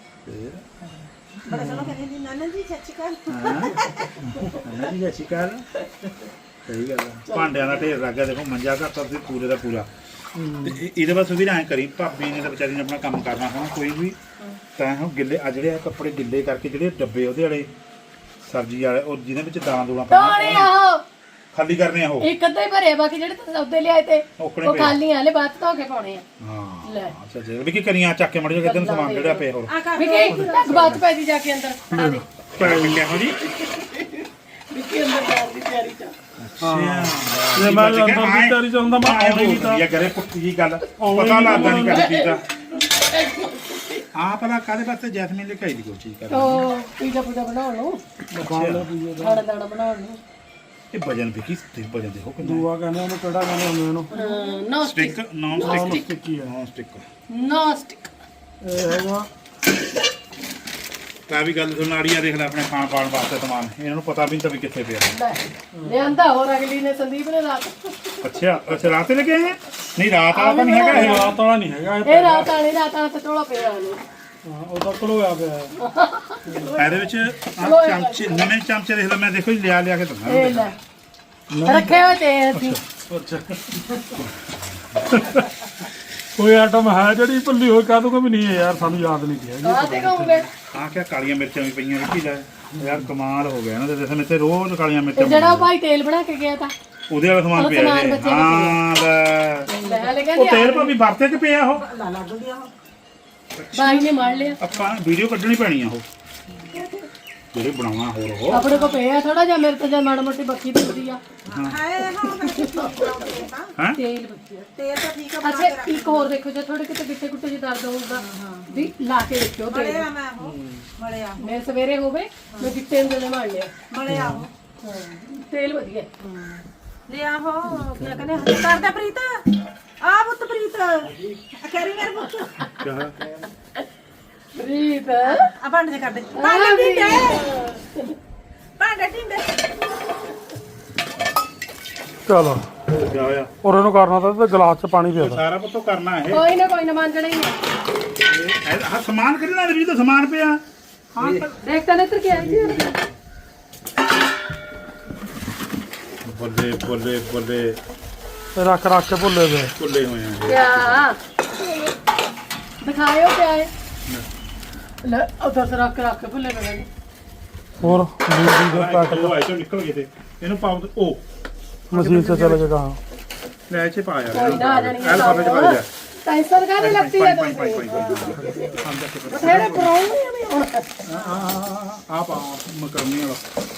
Speaker 4: ਬੜਾ ਸੋਹਣਾ ਕਹਿੰਦੀ ਨਾਨਾ ਜੀ ਸੱਚੀ ਕਰ
Speaker 1: ਨਾਨਾ ਜੀ ਸਤਿ ਸ਼੍ਰੀ ਅਕਾਲ ਸਹੀ ਗੱਲ ਹੈ ਭਾਂਡਿਆਂ ਦਾ ਢੇਰ ਲੱਗ ਗਿਆ ਦੇਖੋ ਮੰਜਾ ਘਰ ਤਾਂ ਪੂਰੇ ਦਾ ਪੂਰਾ ਇਹਦੇ ਵਾਸਤੇ ਵੀ ਨਾ ਐਂ ਕਰੀ ਭਾਬੀ ਨੇ ਤਾਂ ਵਿਚਾਰੀ ਨੇ ਆਪਣਾ ਕੰਮ ਕਰਨਾ ਹੋਣਾ ਕੋਈ ਵੀ ਤਾਂ ਹੁਣ ਗਿੱਲੇ ਆ ਜਿਹੜੇ ਕੱਪੜੇ ਗਿੱਲੇ ਕਰਕੇ ਜਿਹੜੇ ਡੱਬੇ ਉਹਦੇ ਵਾਲੇ ਸਬਜ਼ੀ ਵਾਲੇ ਉਹ ਜਿਹਦੇ ਵਿੱਚ ਦਾਲਾਂ ਦੂਲਾਂ
Speaker 2: ਤੋੜੇ ਆਹੋ
Speaker 1: ਖਾਲੀ ਕਰਨੇ ਆ ਉਹ
Speaker 2: ਇੱਕ ਅੱਧਾ ਹੀ ਭਰਿਆ ਬਾਕੀ ਜਿਹੜੇ ਤੁਸੀਂ ਸੌਦੇ ਲਿਆਏ ਤੇ
Speaker 1: ਔਕਣੇ
Speaker 2: ਉਹ
Speaker 1: ਪਏ।
Speaker 2: ਖਾਲੀ ਆਲੇ ਬਾਅਦ ਧੋ ਕੇ ਪਾਉਣੇ ਆ
Speaker 1: ਹਾਂ
Speaker 2: ਲੈ
Speaker 1: ਅੱਛਾ ਜੀ ਵੀ ਕੀ ਕਰੀਆਂ ਚੱਕ ਕੇ ਮੜ ਜਾ ਕਿਦਨ ਸਮਾਨ ਜਿਹੜਾ ਪਿਆ ਹੋਰ
Speaker 4: ਆ ਕਰ
Speaker 2: ਵੀ ਕਿ ਬਾਤ ਪੈ ਦੀ ਜਾ ਕੇ ਅੰਦਰ ਆ ਦੇ
Speaker 1: ਪੈ ਮਿਲਿਆ ਹੋ ਜੀ
Speaker 2: ਵੀ ਕਿ ਅੰਦਰ ਜਾਣ ਦੀ ਤਿਆਰੀ ਚ
Speaker 3: ਜੇ ਮੈਂ ਅੰਦਰ ਦੀ ਤਿਆਰੀ ਚ ਹੁੰਦਾ ਮੈਂ ਆਉਂਦਾ ਹੀ ਨਹੀਂ ਤਾਂ
Speaker 1: ਇਹ ਕਰੇ ਪੁੱਠੀ ਜੀ ਗੱਲ ਪਤਾ ਲੱਗਦਾ ਨਹੀਂ ਕਦੀ ਚੀਜ਼ ਦਾ ਆਹ ਭਲਾ ਕਾਹਦੇ ਵਾਸਤੇ ਜੈਸਮੀਨ ਲੈ ਕੇ ਆਈ ਦੀ ਕੋਈ ਚੀਜ਼ ਕਰ
Speaker 2: ਉਹ ਪੀਜ਼ਾ ਪੂਜਾ ਬਣਾਉਣ ਨੂੰ ਖਾਣਾ ਦਾਣਾ ਬਣਾਉਣ ਨੂੰ
Speaker 1: ਇਹ ਵਜਨ ਵੀ ਕੀ ਤੇ ਵਜਨ ਦੇਖੋ ਕਿੰਨਾ
Speaker 3: ਦੂਆ ਕਹਿੰਦੇ ਉਹਨੂੰ ਕਿਹੜਾ ਕਹਿੰਦੇ ਹੁੰਦੇ ਉਹਨੂੰ
Speaker 2: ਨੋ
Speaker 1: ਸਟਿਕ ਨੌਨ ਸਟਿਕ
Speaker 3: ਟਿੱਕੀ ਆ
Speaker 1: ਨੌਨ ਸਟਿਕ
Speaker 2: ਨੋ ਸਟਿਕ
Speaker 3: ਇਹ ਹੈਗਾ
Speaker 1: ਤਾਂ ਵੀ ਗੱਲ ਸੁਣ ਆੜੀਆਂ ਦੇਖ ਲੈ ਆਪਣੇ ਖਾਣ ਪਾਣ ਵਾਸਤੇ ਸਮਾਨ ਇਹਨਾਂ ਨੂੰ ਪਤਾ ਵੀ ਨਹੀਂ ਤਾਂ ਵੀ ਕਿੱਥੇ ਪਿਆ
Speaker 2: ਲਿਆਂਦਾ ਹੋਰ ਅਗਲੀ ਨੇ ਸੰਦੀਪ ਨੇ ਰਾਤ
Speaker 1: ਅੱਛਾ ਰਾਤ ਤੇ ਲੱਗੇ ਹੈ ਨਹੀਂ ਰਾਤ ਵਾਲਾ ਤਾਂ ਨਹੀਂ ਹੈਗਾ ਇਹ
Speaker 3: ਰਾਤ ਵਾਲਾ ਨਹੀਂ ਹੈਗਾ
Speaker 2: ਇਹ ਰਾਤ ਵਾਲੀ ਤੇ ਟੋਲਾ ਪਿਆ ਨੇ
Speaker 3: ਉਹ ਤਾਂ ਘਲੋਇਆ ਪਿਆ ਹੈ।
Speaker 1: ਇਹਦੇ ਵਿੱਚ ਆਹ ਚਮਚੇ ਨਵੇਂ ਚਮਚੇ ਦੇਖ ਲੈ ਮੈਂ ਦੇਖੋ ਜੀ ਲਿਆ ਕੇ ਦਿੰਦਾ
Speaker 2: ਇਹ ਲੈ ਰੱਖੇ ਹੋਏ ਤੇ ਅਸੀਂ
Speaker 3: ਅੱਛਾ ਕੋਈ ਆਈਟਮ ਹੈ ਜਿਹੜੀ ਭੁੱਲੀ ਹੋਈ ਕਹ ਦੂੰਗਾ ਵੀ ਨਹੀਂ ਹੈ ਯਾਰ ਸਾਨੂੰ ਯਾਦ ਨਹੀਂ ਪਿਆ
Speaker 2: ਆ ਤੇ ਕਹੂੰਗੇ
Speaker 1: ਆਹ ਕਿਆ ਕਾਲੀਆਂ ਮਿਰਚਾਂ ਵੀ ਪਈਆਂ ਵਿੱਕੀ ਲੈ ਯਾਰ ਕਮਾਲ ਹੋ ਗਿਆ ਇਹਨਾਂ ਦੇ ਜਿਵੇਂ ਤੇ ਰੋਜ਼ ਕਾਲੀਆਂ ਮਿਰਚਾਂ
Speaker 2: ਜਿਹੜਾ ਉਹ ਭਾਈ ਤੇਲ ਬਣਾ ਕੇ ਗਿਆ ਤਾਂ
Speaker 1: ਉਹਦੇ ਵਾਲਾ ਸਮਾਨ ਪਿਆ
Speaker 2: ਸਮਾਨ
Speaker 1: ਇਹ
Speaker 2: ਬੱਚੇ ਦਾ
Speaker 1: ਹਾਂ ਲੈ
Speaker 2: ਲੈ ਲੈ
Speaker 1: ਉਹ
Speaker 2: ਕਹਿੰਦੇ
Speaker 1: ਤੇਲ ਭਾਵੇਂ ਵਰਤੇ ਚ ਪਿਆ ਉਹ
Speaker 4: ਲਾ ਲੱਗ ਗਿਆ
Speaker 2: ਬਾਈ ਨੇ ਮਾਰ ਲਿਆ
Speaker 1: ਆਪਾਂ ਵੀਡੀਓ ਕੱਢਣੀ ਪੈਣੀ ਆ ਉਹ ਜਿਹੜੇ ਬਣਾਉਣਾ ਹੋਰ ਉਹ
Speaker 2: ਆਪਣੇ ਕੋ ਪਿਆ ਥੋੜਾ ਜਿਹਾ ਮੇਰੇ ਤੋਂ ਜਾਂ ਮਾੜਾ ਮੋਟੀ ਬੱਕੀ ਦਿੰਦੀ ਆ
Speaker 4: ਹਾਏ ਹਾਂ
Speaker 1: ਹੈ
Speaker 2: ਤੇਲ ਬੱਕੀ
Speaker 4: ਤੇਲ ਤਾਂ ਠੀਕ ਆ
Speaker 2: ਅੱਛਾ ਇੱਕ ਹੋਰ ਦੇਖੋ ਜੇ ਥੋੜੇ ਕਿਤੇ ਗਿੱਟੇ ਗੁੱਟੇ ਜੇ ਦਰਦ ਹੋਊਗਾ ਵੀ ਲਾ ਕੇ ਦੇਖਿਓ ਤੇਲ
Speaker 4: ਮੜਿਆ ਮੈਂ ਉਹ ਮੜਿਆ
Speaker 2: ਮੈਂ ਸਵੇਰੇ ਹੋਵੇ ਮੈਂ ਗਿੱਟੇ ਨੂੰ ਦੇ ਮਾਰ ਲਿਆ
Speaker 4: ਮੜਿਆ
Speaker 2: ਤੇਲ ਵਧੀਆ
Speaker 4: ਲਿਆ ਹੋ ਕੀ ਕਹਿੰਦੇ ਕਰਦਾ ਪ੍ਰੀਤ ਆ ਪੁੱਤ ਪ੍ਰੀਤ ਕਰੀ ਮੇਰੇ ਪੁੱਤ
Speaker 2: ਪ੍ਰੀਤ
Speaker 4: ਆ ਭਾਂਡੇ ਚ ਕਰ ਦੇ ਭਾਂਡੇ ਢਿੰਡੇ ਭਾਂਡੇ ਢਿੰਡੇ
Speaker 3: ਚਲੋ
Speaker 1: ਕਿਆ ਹੋਇਆ
Speaker 3: ਔਰ ਇਹਨੂੰ ਕਰਨਾ ਤਾਂ ਤੇ ਗਲਾਸ 'ਚ ਪਾਣੀ ਪਿਆ
Speaker 1: ਸਾਰਾ ਪੁੱਤੋ ਕਰਨਾ ਇਹ
Speaker 2: ਕੋਈ ਨਾ ਮੰਨਣਾ ਹੀ ਹੈ
Speaker 1: ਆਹ ਸਮਾਨ ਕਿਹੜਾ ਵੀ ਤਾਂ ਸਮਾਨ ਪਿਆ
Speaker 2: ਹਾਂ ਦੇਖ ਤਾਂ ਨੇਤਰ ਕੀ ਆਈ ਸੀ
Speaker 1: ਬੱਲੇ ਬੱਲੇ ਬੱਲੇ
Speaker 3: ਰੱਖ ਕੇ ਭੁੱਲੇ ਪਏ
Speaker 1: ਕੁੱਲੇ ਹੋਏ ਆ
Speaker 2: ਕਿਆ ਦਿਖਾਇਓ ਕਿਆ ਹੈ ਲੈ ਉਧਰ ਸੇ ਰੱਖ ਕੇ ਭੁੱਲੇ ਪਏ
Speaker 3: ਹੋਰ ਬਿਜਲੀ ਦੇ ਪੈਕਟ
Speaker 1: ਉਹ ਆਏ ਚੋਂ ਨਿਕਲ ਗਏ ਤੇ ਇਹਨੂੰ ਪਾਉ ਤੇ ਉਹ
Speaker 3: ਮਸ਼ੀਨ 'ਚ ਚਲੇ ਜਾ ਕਹਾਂ
Speaker 1: ਲੈ ਚ ਪਾ ਯਾਰ
Speaker 2: ਕੋਈ ਨਾ ਆ ਜਾਣੀ
Speaker 1: ਐਲ ਫਾਬੇ ਚ ਪਾ ਜਾ
Speaker 2: ਟੈਂਸ਼ਨ ਕਾਹਦੀ ਲੱਗਦੀ ਹੈ
Speaker 1: ਪਾਈ
Speaker 2: ਤੁਸੀਂ
Speaker 1: ਪਾਈ
Speaker 2: ਬਥੇਰੇ ਪਰੌਣੇ ਨੇ ਹੁਣ
Speaker 1: ਆ ਪਾ ਮਕਰਨੀ ਵਾਲਾ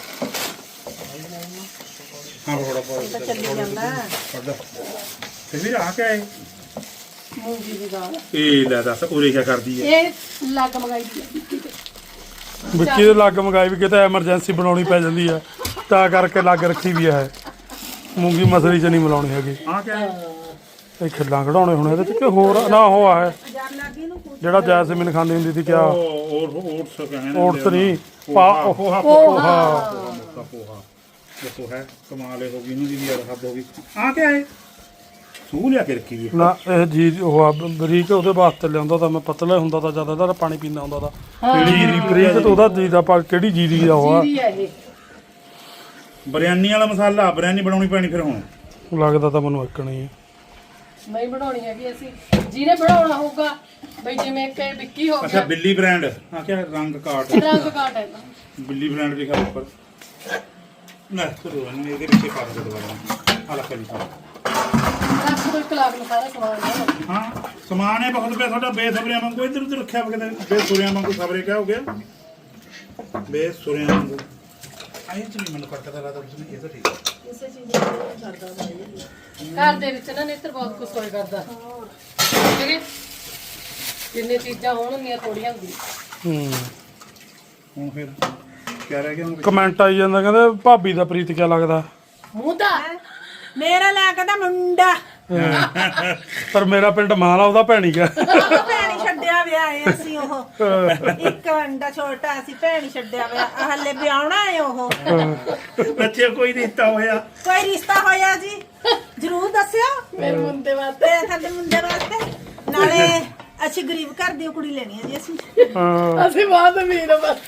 Speaker 1: ਹਾਂ ਥੋੜਾ ਪਾ
Speaker 4: ਚੱਲੀ ਜਾਂਦਾ
Speaker 1: ਪੜਦਾ ਤੇ ਵੀਰ ਆ ਕੇ ਆਏ
Speaker 2: ਮੂੰਗੀ ਦੀ ਦਾਲ
Speaker 1: ਇਹ ਲੈ ਦੱਸ ਉਰੇ ਕੀ ਕਰਦੀ ਹੈ
Speaker 2: ਇਹ ਲੱਗ ਮਗਾਈ ਦੀ ਹੈ
Speaker 3: ਵਿੱਕੀ ਦੇ ਲੱਗ ਮੰਗਾਈ ਵੀ ਕਿਤੇ ਐਮਰਜੈਂਸੀ ਬਣਾਉਣੀ ਪੈ ਜਾਂਦੀ ਆ ਤਾਂ ਕਰਕੇ ਲੱਗ ਰੱਖੀ ਵੀ ਹੈ ਮੂੰਗੀ ਮਸਰੀ 'ਚ ਨਹੀਂ ਮਿਲਾਉਣੀ ਹੈਗੀ
Speaker 1: ਆ ਕੇ ਆਏ
Speaker 3: ਇਹ ਖਿੱਲਾਂ ਕਢਾਉਣੇ ਹੁਣ ਇਹਦੇ 'ਚ ਕਿ ਹੋਰ ਨਾ ਉਹ ਆ ਇਹ ਜਿਹੜਾ ਜੈਸਮੀਨ ਖਾਂਦੀ ਹੁੰਦੀ ਸੀ ਕਿਆ
Speaker 1: ਉਹ ਓਟਸ ਕਹਿੰਦੇ
Speaker 3: ਓਟਸ ਨਹੀਂ ਪਾ
Speaker 1: ਪੋਹਾ
Speaker 3: ਪੋਹਾ
Speaker 1: ਪੋਹਾ ਦੇਖੋ ਹੈ ਕਮਾਲ ਹੋ ਗਈ ਇਹਨੂੰ ਦੀ ਵੀ ਯਾਰ ਹੱਦ ਹੋ ਗਈ ਆ ਕੇ ਆਏ ਸੂ ਲਿਆ ਕੇ ਰੱਖੀ ਵੀ
Speaker 3: ਨਾ ਇਹ ਜੀ ਉਹ ਆ ਬਰੀਕ ਉਹਦੇ ਵਾਸਤੇ ਲਿਆਉਂਦਾ ਤਾਂ ਮੈਂ ਪਤਲਾ ਹੁੰਦਾ ਤਾਂ ਜ਼ਿਆਦਾ ਇਹਦਾ ਪਾਣੀ ਪੀਂਦਾ ਹੁੰਦਾ ਤਾਂ
Speaker 1: ਕਿਹੜੀ
Speaker 3: ਬਰੀਕ ਤੇ ਉਹਦਾ ਜੀ ਦਾ ਪਾ ਕਿਹੜੀ ਜੀਰੀ ਦਾ ਉਹ ਆ
Speaker 2: ਜੀਰੀ ਹੈ ਇਹ
Speaker 1: ਬਿਰਿਆਨੀ ਵਾਲਾ ਮਸਾਲਾ ਬਿਰਿਆਨੀ ਬਣਾਉਣੀ ਪੈਣੀ ਫਿਰ ਹੁਣ
Speaker 3: ਲੱਗਦਾ ਤਾਂ ਮੈਨੂੰ ਇੱਕ ਨਹੀਂ ਹੈ
Speaker 2: ਨਹੀਂ ਬਣਾਉਣੀ ਹੈਗੀ ਅਸੀਂ ਜਿਹਨੇ ਬਣਾਉਣਾ ਹੋਊਗਾ ਬਈ ਜਿਵੇਂ ਕਿ ਵਿੱਕੀ ਹੋ
Speaker 1: ਅੱਛਾ
Speaker 2: ਗਿਆ
Speaker 1: ਬਿੱਲੀ ਬ੍ਰਾਂਡ ਆ ਕਿਆ ਰੰਗ ਕਾਟ
Speaker 2: ਰੰਗ ਕਾਟ ਹੈ
Speaker 1: ਬਿੱਲੀ ਬ੍ਰਾਂਡ ਲਿਖਿਆ ਉੱਪਰ ਨਾ ਕਰੋ ਇਹਨੂੰ ਇਹਦੇ ਪਿੱਛੇ ਪਾ ਦੇ ਦੁਬਾਰਾ ਆਲਾ ਕਰੀ
Speaker 2: ਰੱਖ ਦੋ 1 ਲੱਖ ਨੂੰ ਸਾਰਾ ਸਮਾਨ ਲਿਆਓ।
Speaker 1: ਹਾਂ ਸਮਾਨ ਹੈ ਬਹੁਤ ਪਿਆ ਤੁਹਾਡਾ ਬੇਸਬਰਿਆਂ ਵਾਂਗੂ ਇੱਧਰ ਉੱਧਰ ਰੱਖਿਆ ਵਾ ਕਿਤੇ ਬੇਸੁਰਿਆਂ ਵਾਂਗੂ ਖਬਰੇ ਕਿਆ ਹੋ ਗਿਆ ਬੇਸੁਰਿਆਂ ਵਾਂਗੂ ਆਏ ਚ ਨਹੀਂ ਮੈਨੂੰ ਕੱਟਦਾ ਲੱਗਦਾ ਤੁਸੀਂ ਇਹ ਤਾਂ ਠੀਕ ਹੈ
Speaker 2: ਇਸੇ ਚੀਜ਼ ਨੂੰ ਕਰਦਾ ਹੁੰਦਾ ਘਰ ਦੇ ਵਿੱਚ ਨਾ ਨੇਤਰ ਬਹੁਤ ਕੁਝ ਹੋਏ ਕਰਦਾ ਠੀਕ ਹੈ ਜਿੰਨੇ ਚੀਜ਼ਾਂ ਹੋਣਗੀਆਂ ਥੋੜੀਆਂ ਹੁੰਦੀਆਂ
Speaker 1: ਹੁਣ ਫਿਰ ਕਿਆ ਰਹਿ ਗਿਆ ਹੁਣ
Speaker 3: ਕਮੈਂਟ ਆਈ ਜਾਂਦਾ ਕਹਿੰਦੇ ਭਾਬੀ ਦਾ ਪ੍ਰੀਤ ਕਿਆ ਲੱਗਦਾ
Speaker 2: ਮੂੰਹ ਤਾਂ
Speaker 4: ਮੇਰਾ ਲੈ ਕਹਿੰਦਾ ਮੁੰਡਾ
Speaker 3: ਪਰ ਮੇਰਾ ਪਿੰਡ ਮਾਲਾ ਉਹਦਾ ਭੈਣੀ ਗਿਆ
Speaker 4: ਭੈਣੀ ਛੱਡਿਆ ਵਿਆਹ ਹੈ ਅਸੀਂ ਉਹ ਇੱਕ ਅੰਡਾ ਛੋਟਾ ਅਸੀਂ ਭੈਣੀ ਛੱਡਿਆ ਵਿਆਹ ਹਲੇ ਵਿਆਹਣਾ ਹੈ ਉਹ
Speaker 1: ਬੱਚੇ ਕੋਈ ਰਿਸ਼ਤਾ ਹੋਇਆ
Speaker 4: ਕੋਈ ਰਿਸ਼ਤਾ ਹੋਇਆ ਜੀ ਜ਼ਰੂਰ ਦੱਸਿਓ
Speaker 2: ਮੇਰੇ ਮੁੰਡੇ ਵਾਸਤੇ
Speaker 4: ਤੇ ਸਾਡੇ ਮੁੰਡੇ ਵਾਸਤੇ ਨਾਲੇ ਅਸੀਂ ਗਰੀਬ ਘਰ ਦੀ ਕੁੜੀ ਲੈਣੀ ਹੈ ਜੀ ਅਸੀਂ
Speaker 2: ਅਸੀਂ ਬਾਅਦ ਅਮੀਰ ਬਸ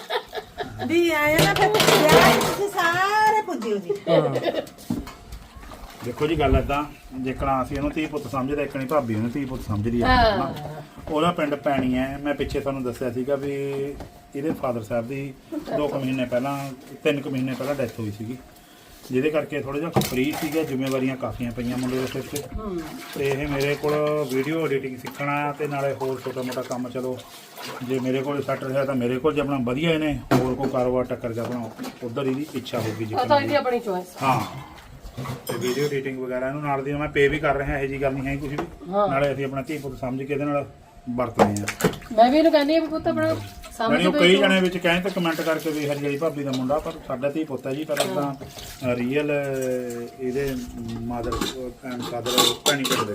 Speaker 4: ਵੀ ਆਏ ਨਾ ਫਿਰ ਵਿਆਹ 'ਚ ਤੁਸੀਂ ਸਾਰੇ ਪੁੱਜਿਓ ਜੀ
Speaker 1: ਦੇਖੋ ਜੀ ਗੱਲ ਏਦਾਂ ਜੇਕਰ ਅਸੀਂ ਇਹਨੂੰ ਧੀ ਪੁੱਤ ਸਮਝਦੇ ਇੱਕ ਨਹੀਂ ਭਾਬੀ ਨੂੰ ਧੀ ਪੁੱਤ ਸਮਝਦੀ ਆ ਹਨਾ। ਉਹਦਾ ਪਿੰਡ ਪੈਣੀ ਹੈ ਮੈਂ ਪਿੱਛੇ ਤੁਹਾਨੂੰ ਦੱਸਿਆ ਸੀਗਾ ਵੀ ਇਹਦੇ ਫਾਦਰ ਸਾਹਿਬ ਦੀ 2 ਮਹੀਨੇ ਪਹਿਲਾਂ 3 ਮਹੀਨੇ ਪਹਿਲਾਂ ਡੈਥ ਹੋਈ ਸੀਗੀ ਜਿਹਦੇ ਕਰਕੇ ਥੋੜਾ ਜਿਹਾ ਫਰੀ ਸੀਗਾ ਜ਼ਿੰਮੇਵਾਰੀਆਂ ਕਾਫੀਆਂ ਪਈਆਂ ਮੁੰਡੇ ਦੇ ਸਿਰ ਤੇ ਤੇ ਇਹ ਮੇਰੇ ਕੋਲ ਵੀਡੀਓ ਐਡੀਟਿੰਗ ਸਿੱਖਣਾ ਤੇ ਨਾਲੇ ਹੋਰ ਛੋਟਾ ਮੋਟਾ ਕੰਮ ਚਲੋ ਜੇ ਮੇਰੇ ਕੋਲ ਸੈੱਟ ਰਿਹਾ ਤਾਂ ਮੇਰੇ ਕੋਲ ਜੇ ਆਪਣਾ ਵਧੀਆ ਇਹਨੇ ਹੋਰ ਕੋਈ ਕਾਰੋਬਾਰ ਟੱਕਰ ਜਾ ਆਪਣਾ ਉਧਰ ਇਹਦੀ ਇੱਛਾ ਹੋਊਗੀ ਜੀ
Speaker 2: ਉਹ ਤਾਂ ਇਹਦੀ ਆਪਣੀ ਚੋਇਸ
Speaker 1: ਹਾਂ ਤੇ ਵੀਡੀਓ ਐਡੀਟਿੰਗ ਵਗੈਰਾ ਇਹਨੂੰ ਨਾਲ ਦੀ ਮੈਂ ਪੇ ਵੀ ਕਰ ਰਿਹਾ ਇਹ ਜੀ ਗੱਲ ਨਹੀਂ ਹੈ ਕੁਝ ਵੀ ਨਾਲੇ ਅਸੀਂ ਆਪਣਾ ਧੀ ਪੁੱਤ ਸਮਝ ਕੇ ਇਹਦੇ ਨਾਲ ਵਰਤਦੇ ਆ।
Speaker 2: ਮੈਂ ਵੀ ਇਹਨੂੰ ਕਹਿੰਦੀ ਆ ਵੀ ਪੁੱਤ ਆਪਣਾ
Speaker 1: ਯਾਨੀ
Speaker 2: ਸਾਹਮਣੇ
Speaker 1: ਉਹ ਕਈ ਜਣੇ ਵਿੱਚ ਕਹਿੰਦੇ ਤੇ ਕਮੈਂਟ ਕਰਕੇ ਵੀ ਹਰਜਾਈ ਭਾਬੀ ਦਾ ਮੁੰਡਾ, ਪਰ ਸਾਡਾ ਧੀ ਪੁੱਤ ਹੈ ਜੀ। ਪਰ ਆਪਾਂ ਰੀਅਲ ਇਹਦੇ ਮਦਰ ਐਂਡ ਫਾਦਰ ਭੈਣੀ ਕਰਦੇ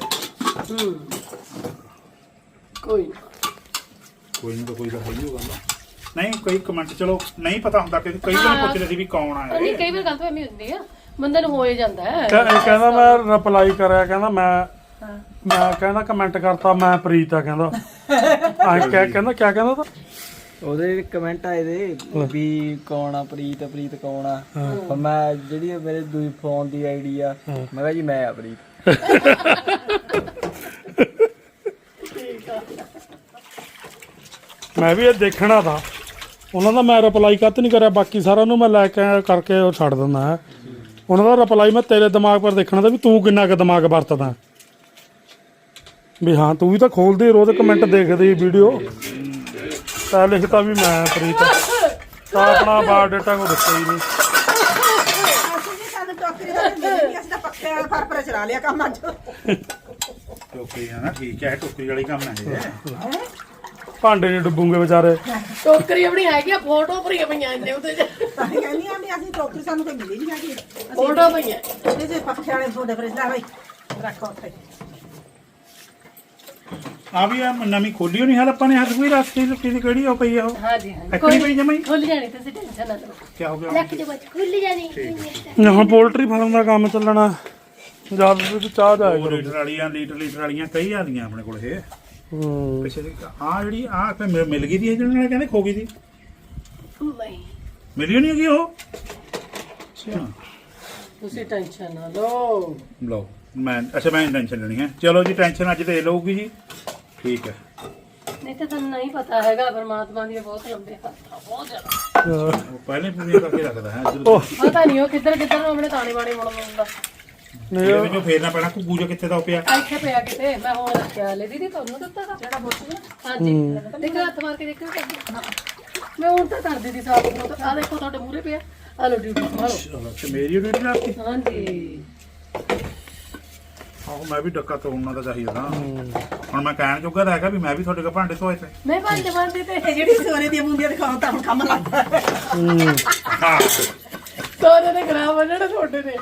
Speaker 2: ਕੋਈ
Speaker 1: ਕੋਈ ਨਾ ਕੋਈ ਤਾਂ ਹੋਈ ਹੋਗਾ ਨਹੀਂ। ਕਈ ਕਮੈਂਟ ਚਲੋ ਨਹੀਂ ਪਤਾ ਹੁੰਦਾ ਕਿ ਕਈ ਜਣੇ ਪੁੱਛਦੇ ਸੀ ਵੀ ਕੌਣ ਆ
Speaker 2: ਨਹੀਂ,
Speaker 1: ਇਹ।
Speaker 2: ਕਈ ਵਾਰ ਗੱਲ ਤਾਂ ਐਵੇਂ ਹੁੰਦੀ ਆ, ਬੰਦੇ ਨੂੰ ਹੋ ਹੀ ਜਾਂਦਾ ਹੈ।
Speaker 3: ਕਹਿੰਦਾ ਮੈਂ ਰਿਪਲਾਈ ਕਰਿਆ, ਕਹਿੰਦਾ ਮੈਂ ਕਹਿੰਦਾ ਕਮੈਂਟ ਕਰਤਾ ਮੈਂ ਪ੍ਰੀਤ ਆ, ਕਹਿੰਦਾ ਕਹਿੰਦਾ ਕਿਆ ਕਹਿੰਦਾ ਤਾ
Speaker 5: ਉਹਦੇ ਕਮੈਂਟ ਆਏ ਦੇ ਵੀ ਕੌਣ ਆ ਪ੍ਰੀਤ, ਪ੍ਰੀਤ ਕੌਣ ਆ। ਪਰ ਮੈਂ ਜਿਹੜੀ ਮੇਰੇ ਦੂਜੀ ਫੋਨ ਦੀ ਆਈਡੀ ਆ, ਮੈਂ ਕਿਹਾ ਜੀ ਮੈਂ ਆ ਪ੍ਰੀਤ।
Speaker 3: ਮੈਂ ਵੀ ਇਹ ਦੇਖਣਾ ਤਾਂ ਉਹਨਾਂ ਦਾ ਮੈਂ ਰਿਪਲਾਈ ਕੱਤ ਨਹੀਂ ਕਰਿਆ, ਬਾਕੀ ਸਾਰਾ ਨੂੰ ਮੈਂ ਲੈ ਕੇ ਕਰਕੇ ਉਹ ਛੱਡ ਦਿੰਦਾ ਹੈ। ਉਹਨਾਂ ਦਾ ਰਿਪਲਾਈ ਮੈਂ ਤੇਰੇ ਦਿਮਾਗ ਪਰ ਦੇਖਣਾ ਤਾਂ ਵੀ ਤੂੰ ਕਿੰਨਾ ਕੁ ਦਿਮਾਗ ਵਰਤਦਾ ਵੀ ਹਾਂ ਤੂੰ ਵੀ ਤਾਂ ਖੋਲਦੀ ਰੋਜ਼ ਕਮੈਂਟ ਦੇਖਦੀ ਵੀਡੀਓ ਤਾਂ ਲਿਖਤਾ ਵੀ ਮੈਂ ਪ੍ਰੀਤ ਤਾਂ ਆਪਣਾ ਬਾਇਓਡਾਟਾ ਕੋ ਦਿੱਤਾ ਹੀ ਨਹੀਂ।
Speaker 4: ਅਸੀਂ ਜੀ ਸਾਨੂੰ ਟੋਕਰੀ ਦਾ ਮਿਲੀ ਨਹੀਂ, ਅਸੀਂ ਤਾਂ ਪੱਕੇ ਫਰਫਰ ਚਲਾ ਲਿਆ ਕੰਮ ਅੱਜ।
Speaker 1: ਟੋਕਰੀ ਆ ਨਾ, ਠੀਕ ਹੈ, ਟੋਕਰੀ ਵਾਲੀ ਕੰਮ ਹੈ ਇਹ।
Speaker 3: ਭਾਂਡੇ ਨਹੀਂ ਡੁੱਬੂਗੇ ਵਿਚਾਰੇ।
Speaker 2: ਟੋਕਰੀ ਆਪਣੀ ਹੈਗੀ ਆ, ਫੋਟੋ ਭਰੀਆਂ ਪਈਆਂ ਇਹਦੇ ਉੱਤੇ
Speaker 4: ਤਾਂ ਹੀ ਕਹਿੰਦੀ ਆ ਵੀ ਅਸੀਂ ਟੋਕਰੀ ਸਾਨੂੰ ਕੋਈ ਮਿਲੀ ਨਹੀਂ ਹੈਗੀ।
Speaker 2: ਫੋਟੋ ਪਈਆਂ
Speaker 4: ਇਹਦੇ ਜੇ ਪੱਖੇ ਵਾਲੇ ਤੁਹਾਡੇ ਫਰਿੱਜ ਲੈ ਬਈ ਰੱਖੋ ਉੱਥੇ।
Speaker 1: ਆ ਵੀ ਆ ਨਵੀਂ ਖੋਲੀ ਹੋਣੀ ਹਾਲ ਆਪਾਂ ਨੇ ਹੱਥ ਕੋਈ ਰਸਤੇ ਲੱਕੀ ਦੀ ਕਿਹੜੀ ਉਹ ਪਈ ਆ ਉਹ
Speaker 2: ਹਾਂਜੀ ਹਾਂਜੀ
Speaker 1: ਐਕਣੀ ਪਈ ਜਮਾਈ।
Speaker 2: ਖੁੱਲ ਜਾਣੀ ਤੁਸੀਂ ਟੈਨਸ਼ਨ ਨਾ ਲਓ।
Speaker 1: ਕੀ ਹੋ ਗਿਆ
Speaker 2: ਲੱਕ ਦੇ ਵਿੱਚ ਖੁੱਲ ਜਾਣੀ।
Speaker 3: ਹੁਣ ਪੋਲਟਰੀ ਫਾਰਮ ਦਾ ਕੰਮ ਚੱਲਣਾ ਜਦ ਵੀ ਚਾਹ ਜਾਏ
Speaker 1: ਉਹ ਲੀਟਰ ਵਾਲੀਆਂ ਲੀਟਰ ਵਾਲੀਆਂ ਕਈ ਆਦੀਆਂ ਆਪਣੇ ਕੋਲ ਇਹ ਪਿੱਛੇ ਆ ਜਿਹੜੀ ਆ ਮਿਲ ਗਈ ਦੀ ਜਿਹਨਾਂ ਨੇ ਕਹਿੰਦੇ ਖੋ ਗਈ ਸੀ।
Speaker 2: ਨਹੀਂ
Speaker 1: ਮਿਲੀ ਨਹੀਂ ਹੈਗੀ ਉਹ। ਅੱਛਾ
Speaker 2: ਤੁਸੀਂ ਟੈਨਸ਼ਨ ਨਾ ਲਓ।
Speaker 1: ਲਓ ਮੈਂ ਟੈਨਸ਼ਨ ਲੈਣੀ ਹੈ। ਚਲੋ ਜੀ ਟੈਨਸ਼ਨ ਅੱਜ ਤੇ ਲਊਗੀ ਜੀ, ਠੀਕ ਹੈ।
Speaker 2: ਨਹੀਂ ਤਾਂ ਤੁਹਾਨੂੰ ਨਹੀਂ ਪਤਾ ਹੈਗਾ, ਪਰਮਾਤਮਾ ਦੀ ਬਹੁਤ ਲੰਬੇ ਹੱਥ ਆ, ਬਹੁਤ ਜ਼ਿਆਦਾ।
Speaker 1: ਉਹ ਪਹਿਲੇ ਪੂਰੀਆਂ ਕਰਕੇ ਰੱਖਦਾ ਹੈ
Speaker 2: ਪਤਾ ਨਹੀਂ ਉਹ ਕਿੱਧਰ ਕਿੱਧਰ ਨੂੰ ਆਪਣੇ ਤਾਣੇ ਬਾਣੇ ਮੁੜ ਮੁੜਦਾ।
Speaker 1: ਇਹਦੇ ਵਿੱਚੋਂ ਫੇਰਨਾ ਪੈਣਾ ਘੁੱਗੂ ਜੋ ਕਿੱਥੇ ਦਾ ਪਿਆ।
Speaker 2: ਇੱਥੇ ਪਿਆ ਕਿਤੇ, ਮੈਂ ਹੁਣ ਰੱਖਿਆ ਲੈ ਦੀਦੀ ਤੁਹਾਨੂੰ ਦਿੱਤਾ ਦਾ ਜਿਹੜਾ ਬੋਤਲ। ਹਾਂਜੀ ਦੇਖੋ ਹੱਥ ਮਾਰ ਕੇ ਦੇਖੋ ਮੈਂ ਹੁਣ ਤਾਂ ਕਰ ਦਿੱਤੀ ਸਾਫ ਨੂੰ। ਆ ਦੇਖੋ ਤੁਹਾਡੇ ਮੂਹਰੇ ਪਿਆ। ਆ ਲੋ ਡਿਊਟੀ ਸੰਭਾਲੋ।
Speaker 1: ਅੱਛਾ ਮੇਰੀ ਡਿਊਟੀ ਰੱਖਤੀ।
Speaker 2: ਹਾਂਜੀ
Speaker 1: ਆਹੋ ਮੈਂ ਵੀ ਡੱਕਾ ਤੋੜਨਾ ਤਾਂ ਚਾਹੀਦਾ ਨਾ। ਹੁਣ ਮੈਂ ਕਹਿਣ ਜੋਗਾ ਤਾਂ ਹੈਗਾ ਵੀ ਮੈਂ ਵੀ ਤੁਹਾਡੇ ਕੋਲ ਭਾਂਡੇ ਧੋਏ ਤੇ।
Speaker 2: ਮੈਂ ਭਾਂਡੇ ਮਾਂਜਦੇ ਤੇ
Speaker 4: ਜਿਹੜੀ ਸੋਨੇ ਦੀਆਂ ਬੂੰਦੀਆਂ ਦਿਖਾਓ ਤਾਂ ਹੁਣ ਕੰਮ ਲੱਗਦਾ।
Speaker 1: ਹਾਂ
Speaker 2: ਸੋਨੇ ਦੇ ਖਰਾਬ ਬਣਨੇ ਤੁਹਾਡੇ ਨੇ।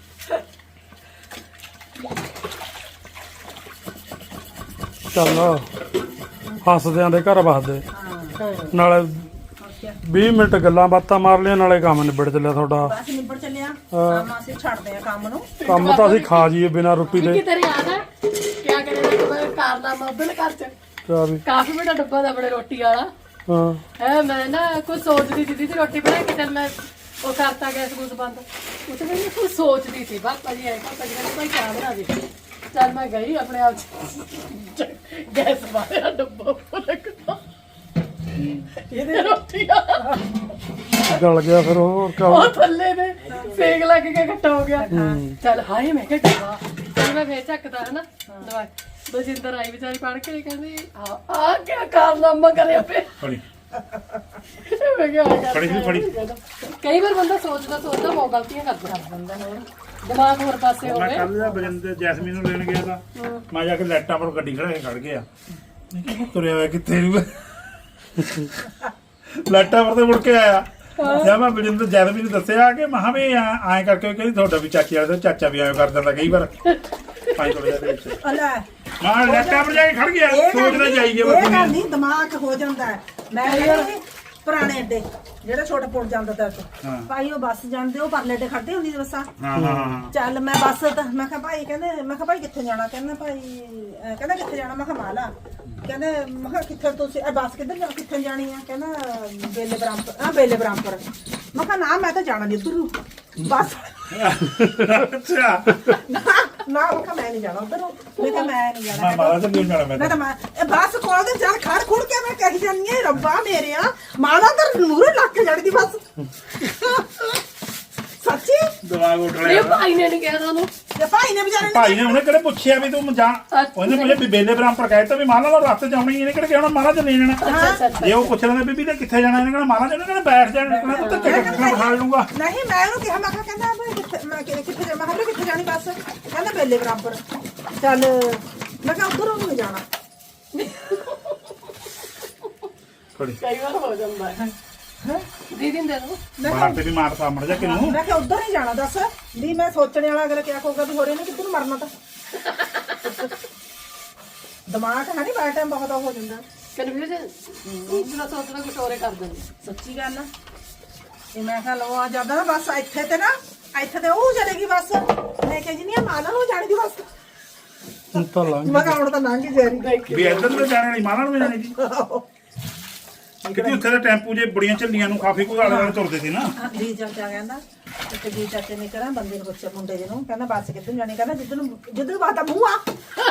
Speaker 3: ਚੱਲ ਹੱਸਦਿਆਂ ਦੇ ਘਰ ਵਸਦੇ ਨਾਲੇ 20 ਮਿੰਟ ਗੱਲਾਂ ਬਾਤਾਂ ਮਾਰ ਲਿਆ ਨਾਲੇ ਕੰਮ ਨਿਬੜ ਚੱਲਿਆ ਤੁਹਾਡਾ।
Speaker 4: ਬਸ ਨਿਬੜ ਚੱਲਿਆ ਕੰਮ। ਅਸੀਂ ਛੱਡਦੇ ਆ ਕੰਮ ਨੂੰ।
Speaker 3: ਕੰਮ ਤਾਂ ਅਸੀਂ ਖਾ ਜੀਏ ਬਿਨਾਂ ਰੋਟੀ ਦੇ।
Speaker 2: ਕੀ ਤੇਰੇ ਯਾਦ ਹੈ ਕਿਆ ਕਰੇ ਕਾਰਨਾਮਾ ਉਧਰ ਘਰ ਚ
Speaker 3: ਕਿਆ ਵੀ
Speaker 2: ਕਾਫੀ ਵੱਡਾ ਡੱਬਾ ਦਾ ਆਪਣੇ ਰੋਟੀ ਵਾਲਾ
Speaker 3: ਹਾਂ
Speaker 2: ਹੈ। ਮੈਂ ਨਾ ਕੁਝ ਸੋਚਦੀ ਸੀ ਦੀਦੀ ਰੋਟੀ ਬਣਾ ਕੇ, ਚੱਲ ਮੈਂ ਉਹ ਕਰਤਾ ਗੈਸ ਗੂਸ ਬੰਦ। ਉੱਥੇ ਮੈਂ ਕੁਝ ਸੋਚਦੀ ਸੀ ਪਾਪਾ ਜੀ ਆਏ, ਪਾਪਾ ਜੀ ਕਹਿੰਦੇ ਭਾਈ ਚਾਹ ਬਣਾ ਦੇ। ਚੱਲ ਮੈਂ ਗਈ ਆਪਣੇ ਆਪ ਚ ਗੈਸ ਮਾਰਿਆ ਡੱਬਾ ਫੁੱਲਕਦਾ ਇਹਦੇ ਰੋਟੀ ਵਾਲਾ
Speaker 3: ਗਲ ਗਿਆ ਫਿਰ ਹੋਰ ਕਿਆ
Speaker 2: ਉਹ ਥੱਲੇ ਨੇ ਸੇਕ ਲੱਗ ਕੇ ਇਕੱਠਾ ਹੋ ਗਿਆ। ਚੱਲ ਹਾਏ ਮੈਂ ਕਿਹਾ ਡੱਬਾ। ਚੱਲ ਮੈਂ ਫੇਰ ਚੱਕਦਾ ਹਨਾ ਦਵਾਈ। ਬਲਜਿੰਦਰ ਆਈ ਵਿਚਾਰੀ ਪੜ ਕੇ ਕਹਿੰਦੀ ਆ ਕਿਆ ਕਾਰਨਾਮਾ ਕਰਿਆ ਪਿਆ।
Speaker 1: ਫੜੀ
Speaker 2: ਮੈਂ ਕਿਹਾ
Speaker 1: ਫੜੀ ਸੀ, ਫੜੀ।
Speaker 2: ਕਈ ਵਾਰ ਬੰਦਾ ਸੋਚਦਾ ਬਹੁਤ ਗਲਤੀਆਂ ਕਰਦਾ ਬੰਦਾ। ਹੋਰ ਦਿਮਾਗ ਹੋਰ ਪਾਸੇ
Speaker 1: ਮੈਂ
Speaker 2: ਹੋਵੇ।
Speaker 1: ਕੱਲ ਬਜਿੰਦਰ ਜੈਸਮੀਨ ਨੂੰ ਲੈਣ ਗਿਆ ਤਾਂ ਮੈਂ ਜਾ ਕੇ ਲਾਈਟਾਂ ਪਰ ਗੱਡੀ ਖੜਾ ਕੇ ਖੜ ਗਿਆ। ਮੈਂ ਕਿਹਾ ਤੁਰਿਆ ਹੋਇਆ ਕਿੱਥੇ ਨੂੰ ਲਾਈਟਾਂ ਪਰ ਤੇ ਮੁੜ ਕੇ ਆਇਆ। ਜਦ ਮੈਂ ਬਜਿੰਦਰ ਜੈਸਮੀਨ ਨੂੰ ਦੱਸਿਆ ਕਿ ਮਹਾਂ ਵੀ ਐਂ ਕਰਕੇ ਕਹਿੰਦੀ ਤੁਹਾਡਾ ਵੀ ਚਾਚੀ ਵਾਲਾ ਚਾਚਾ ਵੀ ਐਂ ਕਰ ਦਿੰਦਾ ਕਈ ਵਾਰ। ਪਾਈ ਥੋੜਾ ਜਿਹਾ ਵਿੱਚ
Speaker 4: ਲੈ
Speaker 1: ਮੈਂ ਲਾਈਟਾਂ ਪਰ ਜਾ ਕੇ ਖੜ ਗਿਆ ਸੋਚਦਾ ਜਾਈਏ
Speaker 4: ਇਹ
Speaker 1: ਬਸ।
Speaker 4: ਗੱਲ ਨਹੀਂ, ਦਿਮਾਗ ਹੋ ਜਾਂਦਾ ਹੈ। ਮੈਂ ਕਹਿੰਦੀ ਪੁਰਾਣੇ ਅੱਡੇ ਜਿਹੜਾ ਛੋਟਾ ਪੁੱਲ ਜਾਂਦਾ ਤਾਂ ਭਾਈ ਉਹ ਬੱਸ ਜਾਂਦੇ ਉਹ ਪਰਲੇ ਅੱਡੇ ਖੜਦੇ ਹੁੰਦੀ ਸੀ ਬੱਸਾਂ।
Speaker 1: ਹਾਂ
Speaker 4: ਚੱਲ ਮੈਂ ਬੱਸ ਤਾਂ ਮੈਂ ਕਿਹਾ ਭਾਈ ਕਹਿੰਦੇ, ਮੈਂ ਕਿਹਾ ਭਾਈ ਕਿੱਥੇ ਜਾਣਾ? ਕਹਿੰਦਾ ਭਾਈ ਕਹਿੰਦਾ ਕਿੱਥੇ ਜਾਣਾ? ਮੈਂ ਕਿਹਾ ਮਾਲਾ। ਕਹਿੰਦੇ ਮੈਂ ਕਿਹਾ ਕਿੱਥੇ ਤੁਸੀਂ ਬੱਸ ਕਿੱਧਰ ਜਾ ਕਿੱਥੇ ਜਾਣੀ ਆ? ਕਹਿੰਦਾ ਬੇਲੇ ਬਰਾਮਪੁਰ। ਬੇਲੇ ਬਰਾਮਪੁਰ। ਮੈਂ ਕਿਹਾ ਨਾ ਮੈਂ ਤਾਂ ਜਾਣਾ ਨਹੀਂ ਉੱਧਰ ਨੂੰ ਬੱਸ।
Speaker 1: ਅੱਛਾ
Speaker 4: ਨਾ ਮੈਂ ਕਿਹਾ ਮੈਂ ਨਹੀਂ ਜਾਣਾ ਉੱਧਰ ਨੂੰ। ਮੈਂ ਕਿਹਾ ਮੈਂ ਨਹੀਂ ਜਾਣਾ।
Speaker 1: ਮੈਂ ਮਾਲਾ ਤੇ ਨਹੀਂ ਜਾਣਾ।
Speaker 4: ਮੈਂ ਤਾਂ ਇਹ ਬੱਸ ਕੋਲ ਦੇ ਚੱਲ ਖੜ ਖੁੜ ਕੇ ਮੈਂ ਕਹੀ ਜਾਂਦੀ ਆ ਰੱਬਾ ਮੇਰਿਆ ਮਾਲਾ ਤਾਂ ਮੂਹਰੇ ਲੱਗ ਕੇ ਜਾਣੀ ਦੀ ਬੱਸ। ਸੱਚੀ
Speaker 1: ਦਿਮਾਗ ਉੱਠ
Speaker 2: ਇਹ
Speaker 1: ਲਿਆ।
Speaker 2: ਭਾਈ ਨੇ ਨਹੀਂ ਕਿਹਾ ਤੁਹਾਨੂੰ।
Speaker 4: ਤੇ ਭਾਈ ਨੇ ਵਿਚਾਰੇ ਨੇ
Speaker 1: ਭਾਈ ਨੇ ਉਹਨੇ ਕਿਹੜੇ ਪੁੱਛਿਆ ਵੀ ਤੂੰ ਜਾ। ਉਹਨੇ ਪੁੱਛਿਆ ਵੀ ਬੇਲੇ ਬਰਾਮਪੁਰ ਕਹਿਤਾ ਵੀ ਮਾਲਾ ਦਾ ਰਸਤੇ ਜਾਉਣੀ। ਇਹਨੇ ਕਿਹੜੇ ਕਹਿਣਾ ਮਾਲਾ ਚ ਨਹੀਂ ਜਾਣਾ।
Speaker 2: ਅੱਛਾ ਅੱਛਾ
Speaker 1: ਜੇ ਉਹ ਪੁੱਛ ਲੈਂਦੇ ਬੀਬੀ ਤੇ ਕਿੱਥੇ ਜਾਣਾ ਇਹਨੇ ਕਹਿਣਾ ਮਾਲਾ ਚ। ਇਹਨੇ ਕਹਿਣਾ ਬੈਠ ਜਾਣਾ। ਮੈਂ ਤਾਂ ਟਿਕਟ ਖਾ ਲੂੰਗਾ।
Speaker 4: ਨਹੀਂ ਮੈਂ ਉਹਨੂੰ ਕਿਹਾ ਮੈਂ ਕਿਹਾ ਕਹਿੰਦਾ ਵੀ ਕਿੱਥੇ ਮੈਂ ਕਿੱਥੇ ਜਾ। ਮੈਂ ਕਿਹਾ ਕਿੱਥੇ ਜਾਣੀ ਬੱਸ? ਕਹਿੰਦਾ ਬੇਲੇ ਬਰਾਬਰ। ਚੱਲ ਮੈਂ ਕਿਹਾ ਉੱਧਰ ਉਹਨੂੰ ਜਾਣਾ।
Speaker 1: ਖੜੀ
Speaker 2: ਕਈ ਵਾਰ ਹੋ ਜਾਂਦਾ ਹੈ ਦੀਦੀ ਨੂੰ ਦੇ ਦੋ
Speaker 1: ਬਾਹਰ ਤੇ ਵੀ ਮਾਰ ਸਾਹਮਣੇ ਜਾ ਕਿਨੂੰ
Speaker 4: ਮੈਂ ਕਿਹਾ ਉੱਧਰ ਹੀ ਜਾਣਾ ਦੱਸ ਵੀ ਮੈਂ ਸੋਚਣੇ ਵਾਲਾ ਅਗਲਾ ਕਿਆ ਕਹੂਗਾ ਵੀ ਹੋਰੇ ਨੇ ਕਿੱਧਰ ਨੂੰ ਮਰਨਾ ਤਾਂ ਦਿਮਾਗ ਹੈ ਨਹੀਂ ਬਾਹਰ ਟਾਈਮ ਬਹੁਤ ਹੋ ਜਾਂਦਾ
Speaker 2: ਕਨਫਿਊਜ਼ਨ ਜਿਹੜਾ ਸੋਚਦਾ ਕੁਝ ਹੋਰੇ ਕਰ ਦਿੰਦੇ
Speaker 4: ਸੱਚੀ ਗੱਲ ਆ ਇਹ ਮੈਂ ਕਿਹਾ ਲਓ ਆ ਜਾਂਦਾ ਨਾ ਬਸ ਇੱਥੇ ਤੇ ਨਾ ਇੱਥੇ ਤੇ ਉਹ ਚਲੇਗੀ ਬਸ ਮੈਂ ਕਿਹਾ ਜੀ ਨਹੀਂ ਮਾਲਾ ਨੂੰ ਜਾਣੀ ਦੀ ਬਸ
Speaker 3: ਹੁਣ ਤਾਂ ਲੰਘ
Speaker 4: ਮੈਂ ਕਿਹਾ ਹੁਣ ਤਾਂ ਲੰਘ ਹੀ ਜਾ ਰਹੀ
Speaker 1: ਵੀ ਇੱਧਰ ਨੂੰ ਜਾਣੇ ਨਹੀਂ ਮਾਰਨ ਨੂੰ ਜਾਣੇ ਜੀ ਕਿਉਂਕਿ ਉੱਥੇ ਦਾ ਟੈਂਪੂ ਜੇ ਬੜੀਆਂ ਝੱਲੀਆਂ ਨੂੰ ਕਾਫੀ ਕੋਈ ਆਲੇ ਦੁਆਲੇ ਤੁਰਦੇ ਸੀ ਨਾ
Speaker 4: ਜੀ ਚਾਚਾ ਕਹਿੰਦਾ ਤੇ ਜੀ ਚਾਚੇ ਨੇ ਕਰਾਂ ਬੰਦੇ ਨੂੰ ਪੁੱਛਿਆ ਮੁੰਡੇ ਜੀ ਨੂੰ ਕਹਿੰਦਾ ਬੱਸ ਕਿੱਧਰ ਜਾਣੀ ਕਹਿੰਦਾ ਜਿੱਧਰ ਬਾਤਾ ਮੂੰਹ ਆ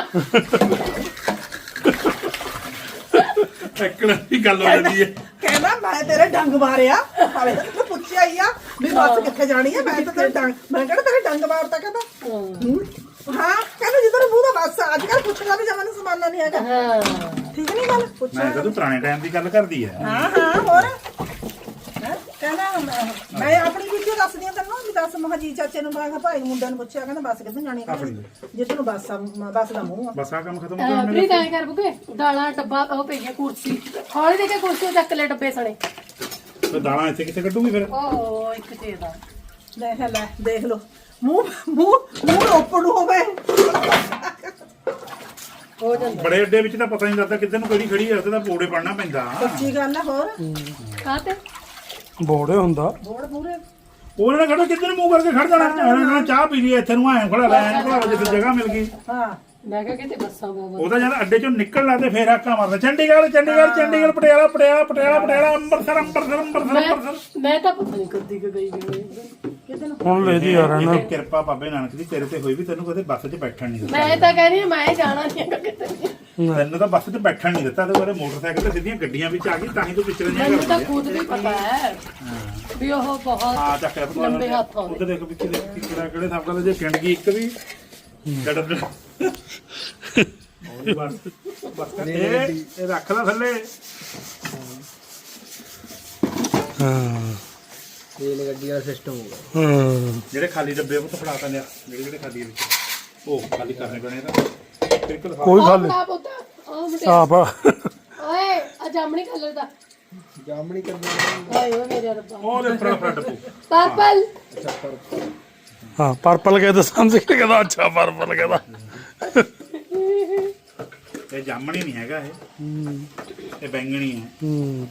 Speaker 1: ਐਕੜ ਦੀ ਗੱਲ ਹੋ ਜਾਂਦੀ ਹੈ
Speaker 4: ਕਹਿੰਦਾ ਮੈਂ ਤੇਰੇ ਡੰਗ ਮਾਰਿਆ ਹਾਲੇ ਤੂੰ ਪੁੱਛਿਆ ਹੀ ਆ ਵੀ ਬੱਸ ਕਿੱਥੇ ਜਾਣੀ ਹੈ ਮੈਂ ਤਾਂ ਤੇਰੇ ਡੰਗ ਮੈਂ ਕਹਿੰਦਾ ਤੇਰੇ ਡੰਗ ਮਾਰਤਾ ਕਹਿੰਦਾ ਹਾਂ ਕਹਿੰਦਾ ਜਿੱਧਰ ਮੂੰਹ ਦਾ ਬੱਸ ਅੱਜ ਕੱਲ ਪੁੱਛਣਾ ਵੀ ਜਮਾਨਾ ਸਮਾਨਾ ਨਹੀਂ ਹੈਗਾ
Speaker 2: ਹਾਂ
Speaker 4: ਠੀਕ ਨਹੀਂ ਗੱਲ ਪੁੱਛਿਆ
Speaker 1: ਮੈਂ ਕਦੋਂ ਪੁਰਾਣੇ ਟਾਈਮ ਦੀ ਗੱਲ ਕਰਦੀ ਹੈ
Speaker 4: ਹਾਂ ਹੋਰ ਹੈਂ? ਕਹਿੰਦਾ ਮੈਂ ਆਪਣੀ ਵੀਡੀਓ ਦੱਸਦੀ ਆ ਤੈਨੂੰ ਵੀ ਦੱਸ ਮਹਾ ਜੀ ਚਾਚੇ ਨੂੰ ਮੈਂ ਕਿਹਾ ਭਾਈ ਮੁੰਡਿਆਂ ਨੂੰ ਪੁੱਛਿਆ ਕਹਿੰਦਾ ਬੱਸ ਕਿੱਥੇ ਜਾਣੀ ਕਹਿੰਦਾ ਜਿੱਧਰ ਨੂੰ ਬੱਸ ਦਾ ਮੂੰਹ ਆ
Speaker 1: ਬਸ ਆ ਕੰਮ ਖਤਮ ਹੋ ਗਿਆ
Speaker 2: ਪ੍ਰੀਤ ਐ ਕਰ ਬੁਕੇ ਦਾਲਾਂ ਡੱਬਾ ਉਹ ਪਈ ਗਿਆ ਕੁਰਸੀ ਹੌਲੀ ਦੇ ਕੇ ਕੁਰਸੀ ਚੱਕ ਲੈ ਡੱਬੇ ਸਣੇ
Speaker 1: ਤੇ ਦਾਣਾ ਇੱਥੇ ਕਿੱਥੇ ਕੱਢੂਗੀ ਫਿਰ
Speaker 2: ਓ ਇੱਕ ਚੀਜ਼ ਦਾ
Speaker 4: ਲੈ ਦੇਖ ਲੋ ਮੂੰਹ ਓਪਨ ਹੋਵੇ
Speaker 2: ਹੋ ਜਾਂਦਾ
Speaker 1: ਬੜੇ ਅੱਡੇ ਵਿੱਚ ਤਾਂ ਪਤਾ ਨਹੀਂ ਲੱਗਦਾ ਕਿੱਧਰ ਨੂੰ ਕਿਹੜੀ ਖੜੀ ਹੈ ਉੱਥੇ ਤਾਂ ਪੌੜੇ ਪੜਨਾ ਪੈਂਦਾ
Speaker 4: ਸੱਚੀ ਗੱਲ ਆ ਹੋਰ
Speaker 2: ਕਾਤੇ
Speaker 3: ਬੋੜੇ ਹੁੰਦਾ
Speaker 4: ਬੋੜ ਪੂਰੇ
Speaker 1: ਉਹਨਾਂ ਨੇ ਖੜੋ ਕਿੱਧਰ ਨੂੰ ਮੂੰਹ ਕਰਕੇ ਖੜ ਜਾਣਾ ਉਹਨਾਂ ਨੇ ਚਾਹ ਪੀ ਲਈ ਇੱਥੇ ਨੂੰ ਆਏ ਖੜਾ ਲੈ ਖੜਾ ਜਿੱਥੇ ਜਗ੍ਹਾ ਮਿਲ ਗਈ
Speaker 4: ਹਾਂ
Speaker 2: ਮੈਂ ਕਿਹਾ ਕਿਤੇ ਬੱਸਾਂ ਬਹੁਤ
Speaker 1: ਉਹਦਾ ਜਦ ਅੱਡੇ ਚੋਂ ਨਿਕਲ ਲਾਦੇ ਫੇਰ ਆਕਾ ਮਾਰਦਾ ਚੰਡੀਗੜ੍ਹ ਪਟਿਆਲਾ ਅੰਮ੍ਰਿਤਸਰ
Speaker 2: ਮੈਂ ਤਾਂ ਪਤਾ ਨਹੀਂ ਕਦੀ ਗਈ ਵੀ
Speaker 3: ਹੁਣ ਲੈ ਜੀ ਯਾਰ ਨਾ
Speaker 1: ਇਹ ਕਿਰਪਾ ਬਾਬੇ ਨਾਨਕ ਦੀ ਤੇਰੇ ਤੇ ਹੋਈ ਵੀ ਤੈਨੂੰ ਕਦੇ ਬੱਸ 'ਚ ਬੈਠਣ ਨਹੀਂ ਦਿੱਤਾ
Speaker 2: ਮੈਂ ਤਾਂ ਕਹਿੰਦੀ ਮੈਂ ਜਾਣਾ ਨਹੀਂ ਹੈਗਾ ਕਿਤੇ
Speaker 1: ਤੈਨੂੰ ਤਾਂ ਬੱਸ 'ਚ ਬੈਠਣ ਨਹੀਂ ਦਿੱਤਾ ਤੇ ਉਹਦੇ ਮੋਟਰਸਾਈਕਲ ਤੇ ਸਿੱਧੀਆਂ ਗੱਡੀਆਂ ਵਿੱਚ ਆ ਗਈ ਤਾਂ ਹੀ ਤੂੰ ਪਿੱਛੇ ਨਹੀਂ
Speaker 2: ਮੈਨੂੰ ਤਾਂ
Speaker 1: ਕਰਦੀ
Speaker 2: ਖੁਦ ਵੀ ਪਤਾ ਹੈ ਵੀ ਉਹ
Speaker 1: ਆ
Speaker 2: ਬਹੁਤ
Speaker 1: ਚੱਕਿਆ
Speaker 2: ਲੰਬੇ ਹੱਥ ਆਉਂਦੇ
Speaker 1: ਉਹਦੇ ਦੇਖ ਪਿੱਛੇ ਕਿਹੜੇ ਹਿਸਾਬ ਨਾਲ ਜੇ ਕਿੰਡ ਗਈ ਇੱਕ ਵੀ ਜੜ ਬਸ ਇਹ ਰੱਖ ਲੈ ਥੱਲੇ
Speaker 3: ਹਾਂ
Speaker 5: ਰੇਲ ਗੱਡੀ ਵਾਲਾ ਸਿਸਟਮ ਹੋਊਗਾ
Speaker 3: ਹਾਂ
Speaker 1: ਜਿਹੜੇ ਖਾਲੀ ਡੱਬੇ ਉਹ ਤਾਂ ਫੜਾ ਤਾ ਲਿਆ ਜਿਹੜੇ ਖਾਲੀ ਵਿੱਚ ਉਹ ਖਾਲੀ ਕਰਨੇ ਪੈਣੇ ਤਾਂ ਬਿਲਕੁਲ
Speaker 3: ਕੋਈ ਖਾਲੀ
Speaker 2: ਆਹ ਪੁੱਤ ਉਹ ਮੁੰਡੇ
Speaker 3: ਸਾਫ ਆ
Speaker 2: ਓਏ ਆ ਜਾਮਣੀ ਕਲਰ ਦਾ
Speaker 5: ਜਾਮਣੀ ਕਰਨੀ
Speaker 2: ਓਏ ਓਏ ਮੇਰੇ ਰੱਬਾ
Speaker 1: ਉਹਦੇ ਉੱਪਰ ਫੜਾ ਡੱਬੂ
Speaker 2: ਪਰਪਲ
Speaker 3: ਹਾਂ ਪਰਪਲ ਕਹਿੰਦਾ ਸਮਝ ਕੇ ਕਹਿੰਦਾ ਅੱਛਾ ਪਰਪਲ ਕਹਿੰਦਾ
Speaker 1: ਇਹ ਜਾਮਣੀ ਨਹੀਂ ਹੈਗਾ ਇਹ ਬੈਂਗਣੀ ਹੈ
Speaker 3: ਹੂੰ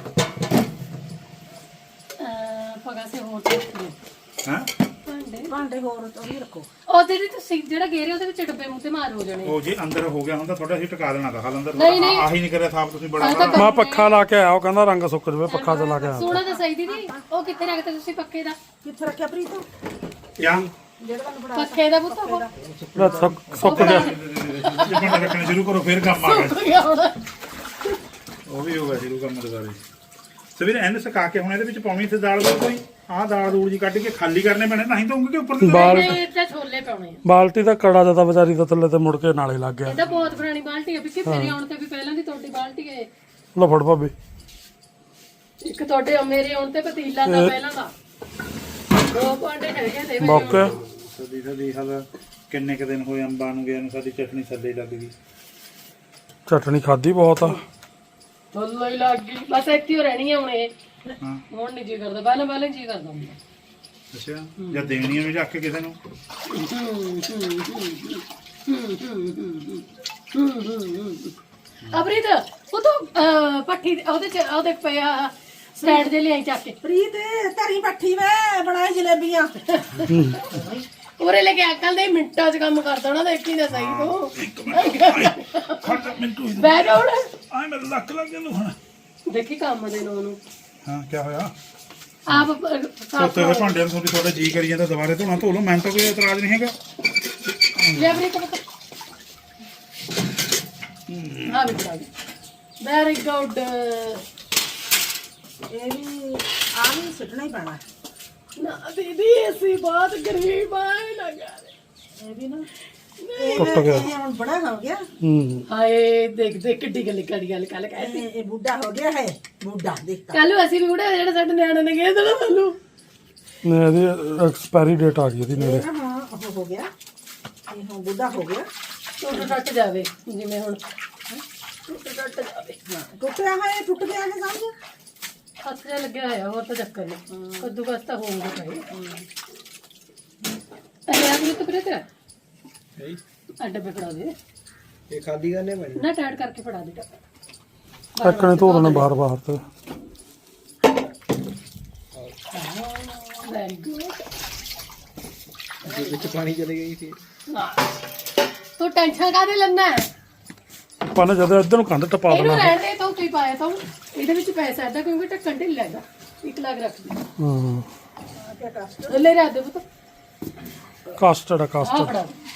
Speaker 2: ਪਗਾ ਸੇ ਹੋਰ ਤੇ
Speaker 1: ਹਾਂ
Speaker 4: ਭਾਂਡੇ ਹੋਰ ਤੋਂ ਵੀ ਰੱਖੋ
Speaker 2: ਉਹਦੇ ਵਿੱਚ ਤੁਸੀਂ ਜਿਹੜਾ ਗੇਰੇ ਉਹਦੇ ਵਿੱਚ ਡੱਬੇ ਮੂੰਹ ਤੇ ਮਾਰ ਹੋ ਜਾਣੇ
Speaker 1: ਉਹ ਜੇ ਅੰਦਰ ਹੋ ਗਿਆ ਹੁੰਦਾ ਥੋੜਾ ਅਸੀਂ ਟਿਕਾ ਦੇਣਾ ਤਾਂ ਹਾਲ ਅੰਦਰ
Speaker 2: ਨਹੀਂ, ਨਹੀਂ।
Speaker 1: ਆਹੀ ਨਹੀਂ ਕਰਿਆ ਸਾਫ ਤੁਸੀਂ ਬੜਾ
Speaker 2: ਆਹ ਤਾਂ
Speaker 3: ਮੈਂ ਪੱਖਾ ਲਾ ਕੇ ਆਇਆ ਉਹ ਕਹਿੰਦਾ ਰੰਗ ਸੁੱਕ ਜਵੇ ਪੱਖਾ ਤੇ ਲਾ ਕੇ ਆਇਆ
Speaker 2: ਸੋਣਾ ਤਾਂ ਸਹੀ ਦੀਦੀ ਉਹ ਕਿੱਥੇ ਰੱਖਦੇ ਤੁਸੀਂ ਪੱਖੇ ਦਾ
Speaker 4: ਕਿੱਥੇ ਰੱਖਿਆ ਪ੍ਰੀਤ
Speaker 1: ਜਾਂ
Speaker 4: ਜਿਹੜਾ ਤੁਹਾਨੂੰ ਬੜਾ
Speaker 2: ਪੱਖੇ ਦਾ ਪੁੱਤ ਉਹ
Speaker 3: ਲੈ ਸੁੱਕ ਗਿਆ
Speaker 1: ਜਿੱਦਾਂ ਰੱਖਣਾ ਸ਼ੁਰੂ ਕਰੋ ਫਿਰ ਕੰਮ ਆ ਗਿਆ
Speaker 2: ਸੁੱਕ ਗਿਆ ਹੁਣ
Speaker 1: ਉਹ ਵੀ ਹੋਗਾ ਸ਼ੁਰੂ ਕੰਮ ਦੁਬਾਰੇ ਸਵੇਰੇ ਇਹਨੂੰ ਸੁਕਾ ਕੇ ਹੁਣ ਇਹਦੇ ਵਿੱਚ ਪਾਉਣੀ ਤੇ ਦਾਲ ਦਾ ਕੋਈ ਆਹ ਦਾਲ ਦੂਲ ਜੀ ਕੱਢ ਕੇ ਖਾਲੀ ਕਰਨੇ ਪੈਣੇ ਨਹੀਂ ਤਾਂ ਉਂਗੇ ਉੱਪਰ ਤੇ
Speaker 2: ਨਹੀਂ ਤੇ ਛੋਲੇ ਪਾਉਣੇ ਆ
Speaker 3: ਬਾਲਟੀ ਦਾ ਕੜਾ ਜਿਆਦਾ ਵਿਚਾਰੀ ਦਾ ਥੱਲੇ ਤੇ ਮੁੜ ਕੇ ਨਾਲੇ ਲੱਗ ਗਿਆ
Speaker 2: ਇਹ ਤਾਂ ਬਹੁਤ ਪੁਰਾਣੀ ਬਾਲਟੀ ਹੈ ਕਿ ਮੇਰੇ ਆਉਣ ਤੇ ਵੀ ਪਹਿਲਾਂ ਦੀ ਤੁਹਾਡੀ ਬਾਲਟੀ ਹੈ
Speaker 3: ਲੋ ਫੜ ਭਾਬੀ
Speaker 2: ਇੱਕ ਤੁਹਾਡੇ ਮੇਰੇ ਆਉਣ ਤੇ ਪਤੀਲਾ ਦਾ ਪਹਿਲਾਂ ਦਾ ਦੋ ਭਾਂਡੇ ਹੈਗੇ ਨੇ
Speaker 3: ਮੌਕੇ
Speaker 1: ਸਦੀ ਹਾਲ ਕਿੰਨੇ ਕ ਦਿਨ ਹੋਏ ਅੰਬਾਂ ਨੂੰ ਗਿਆ ਨੂੰ ਸਾਡੀ ਚਟਨੀ ਥੱਲੇ ਲੱਗ ਗਈ
Speaker 3: ਚਟਣੀ ਖਾਦੀ ਬਹੁਤ ਆ
Speaker 2: ਥੱਲੇ ਹੀ ਲੱਗ ਗਈ ਬਸ ਇੱਥੇ ਹੀ ਰਹਿਣੀ ਹੈ ਹੁਣ ਇਹ
Speaker 1: ਹਾਂ
Speaker 2: ਹੁਣ ਨਹੀਂ ਜੀ ਕਰਦਾ ਪਹਿਲਾਂ ਜੀ ਕਰਦਾ ਹੁੰਦਾ
Speaker 1: ਅੱਛਾ ਜਾਂ ਦੇਣੀਆਂ ਵੀ ਰੱਖ ਕੇ ਕਿਸੇ ਨੂੰ
Speaker 2: ਅਬਰੀਤ ਉਹ ਤਾਂ ਪੱਠੀ ਉਹਦੇ ਚ ਉਹਦੇ ਪਿਆ ਸਟੈਂਡ ਜੇ ਲਿਆਈ ਚੱਕ ਕੇ
Speaker 4: ਪ੍ਰੀਤ ਧਰੀ ਪੱਠੀ ਵੇ ਬਣਾਈ ਜਲੇਬੀਆਂ
Speaker 2: ਉਰੇ ਲੈ ਕੇ ਅਕਲ ਦੇ ਮਿੰਟਾਂ 'ਚ ਕੰਮ ਕਰ ਦੇਣਾ ਦੇਖੀ ਤਾਂ ਸਹੀ ਤੂੰ
Speaker 1: ਖੜ ਮਿੰਟੂ
Speaker 2: ਬੈਠ ਹੁਣ
Speaker 1: ਆਏ ਮੇਰੇ ਲੱਕ ਲੱਗ ਗਿਆ ਹੁਣ
Speaker 2: ਦੇਖੀ ਕੰਮ ਦੇ ਨੂੰ ਉਹਨੂੰ
Speaker 1: ਹਾਂ ਕੀ ਹੋਇਆ
Speaker 2: ਆਪ
Speaker 1: ਸੋਤੇ ਦੇ ਭਾਂਡਿਆਂ ਨੂੰ ਤੁਹਾਡਾ ਜੀ ਕਰੀ ਜਾਂਦਾ ਦੁਬਾਰੇ ਧੋਣਾ ਧੋ ਲਓ ਮੈਨੂੰ ਤਾਂ ਕੋਈ ਇਤਰਾਜ਼ ਨਹੀਂ ਹੈਗਾ
Speaker 2: ਲੈ ਅਬਰੀਤ ਪਤਾ ਹਾਂ ਬਿਟਾ ਵੈਰੀ ਗੁੱਡ
Speaker 4: ਇਹ ਵੀ ਆ ਵੀ ਸੁੱਟਣਾ ਹੀ ਪੈਣਾ
Speaker 2: ਨਾ ਦੀਦੀ ਅਸੀਂ ਬਹੁਤ ਗਰੀਬ ਆਏ ਨਾ ਕਰ
Speaker 4: ਇਹ ਵੀ ਨਾ
Speaker 3: ਟੁੱਟ ਗਿਆ
Speaker 4: ਇਹ ਹੁਣ ਬੜਾ ਹੋ ਗਿਆ
Speaker 3: ਹੂੰ
Speaker 2: ਹਾਏ ਦੇਖ ਦੇਖ ਕਿੱਡੀ ਗੱਲ ਕਰੀ ਗੱਲ ਕੱਲ ਕਹਿ
Speaker 4: ਇਹ ਬੁੱਢਾ ਹੋ ਗਿਆ ਹੈ ਬੁੱਢਾ ਦੇਖ
Speaker 2: ਕੱਲ ਅਸੀਂ ਵੀ ਬੁੜੇ ਜਿਹੜੇ ਸਾਡੇ ਨਿਆਣੇ ਨੇ ਗਏ ਦੇਣਾ ਸਾਨੂੰ
Speaker 3: ਨੇ ਇਹਦੀ ਐਕਸਪਾਇਰੀ ਡੇਟ ਆ ਗਈ ਇਹਦੀ ਨੇੜੇ
Speaker 4: ਹਾਂ ਉਹ ਹੋ ਗਿਆ ਇਹ ਹੁਣ ਬੁੱਢਾ ਹੋ ਗਿਆ
Speaker 2: ਟੁੱਟ ਟੱਟ ਜਾਵੇ ਜਿਵੇਂ ਹੁਣ ਟੁੱਟ ਜਾਵੇ।
Speaker 4: ਟੁੱਟਿਆ ਹੈ ਟੁੱਟ ਗਿਆ ਹੈ ਸਮਝ।
Speaker 2: ਹੱਥ ਜਿਹਾ ਲੱਗਿਆ ਹੋਇਆ ਹੋਰ ਤਾਂ ਚੱਕਰ ਨਹੀਂ। ਕੱਦੂ ਕਸ ਤਾਂ ਹੋਊਗਾ ਭਾਈ। ਅਰੇ ਆਪ ਨੂੰ ਤਾਂ ਪਰੇ ਤੇ ਡੱਬੇ ਫੜਾ ਦੇ।
Speaker 5: ਇਹ ਖਾਲੀ ਕਰਨੇ ਪੈਣੇ
Speaker 2: ਨਾ ਟਾਈਟ ਕਰਕੇ ਫੜਾ ਦੇ ਡੱਬਾ।
Speaker 3: ਟੱਕਣੇ ਧੋ ਦੇਣੇ ਬਾਹਰ ਤੇ
Speaker 2: ਵੈਰੀ ਗੁੱਡ।
Speaker 5: ਵਿੱਚ ਪਾਣੀ ਚਲੇ ਗਈ ਸੀ।
Speaker 2: ਤੂੰ ਟੈਨਸ਼ਨ ਕਾਹਦੇ ਲੈਣਾ ਹੈ?
Speaker 3: ਆਪਾਂ ਨੇ ਜਦੋਂ ਇੱਧਰ ਨੂੰ ਕੰਧ ਟਪਾ
Speaker 2: ਇਹਨੂੰ
Speaker 3: ਦੇਣਾ।
Speaker 2: ਰਹਿਣ ਦੇ ਤੂੰ ਕੀ ਪਾਇਆ ਤੂੰ ਇਹਦੇ ਵਿੱਚ ਪੈਸਾ ਐਦਾ ਕਿਉਂਕਿ ਢੱਕਣ ਢਿੱਲਾ ਹੈਗਾ 1 ਲੱਖ ਰੱਖ ਦੇ।
Speaker 3: ਹਾਂ
Speaker 2: ਲੈ ਰੱਖ ਦੇ ਪੁੱਤ।
Speaker 3: ਕਾਸਟਰਡ ਆ
Speaker 2: ਆਹ
Speaker 3: ਕਾਸਟਰਡ।
Speaker 2: ਫੜਾ ਦੇ।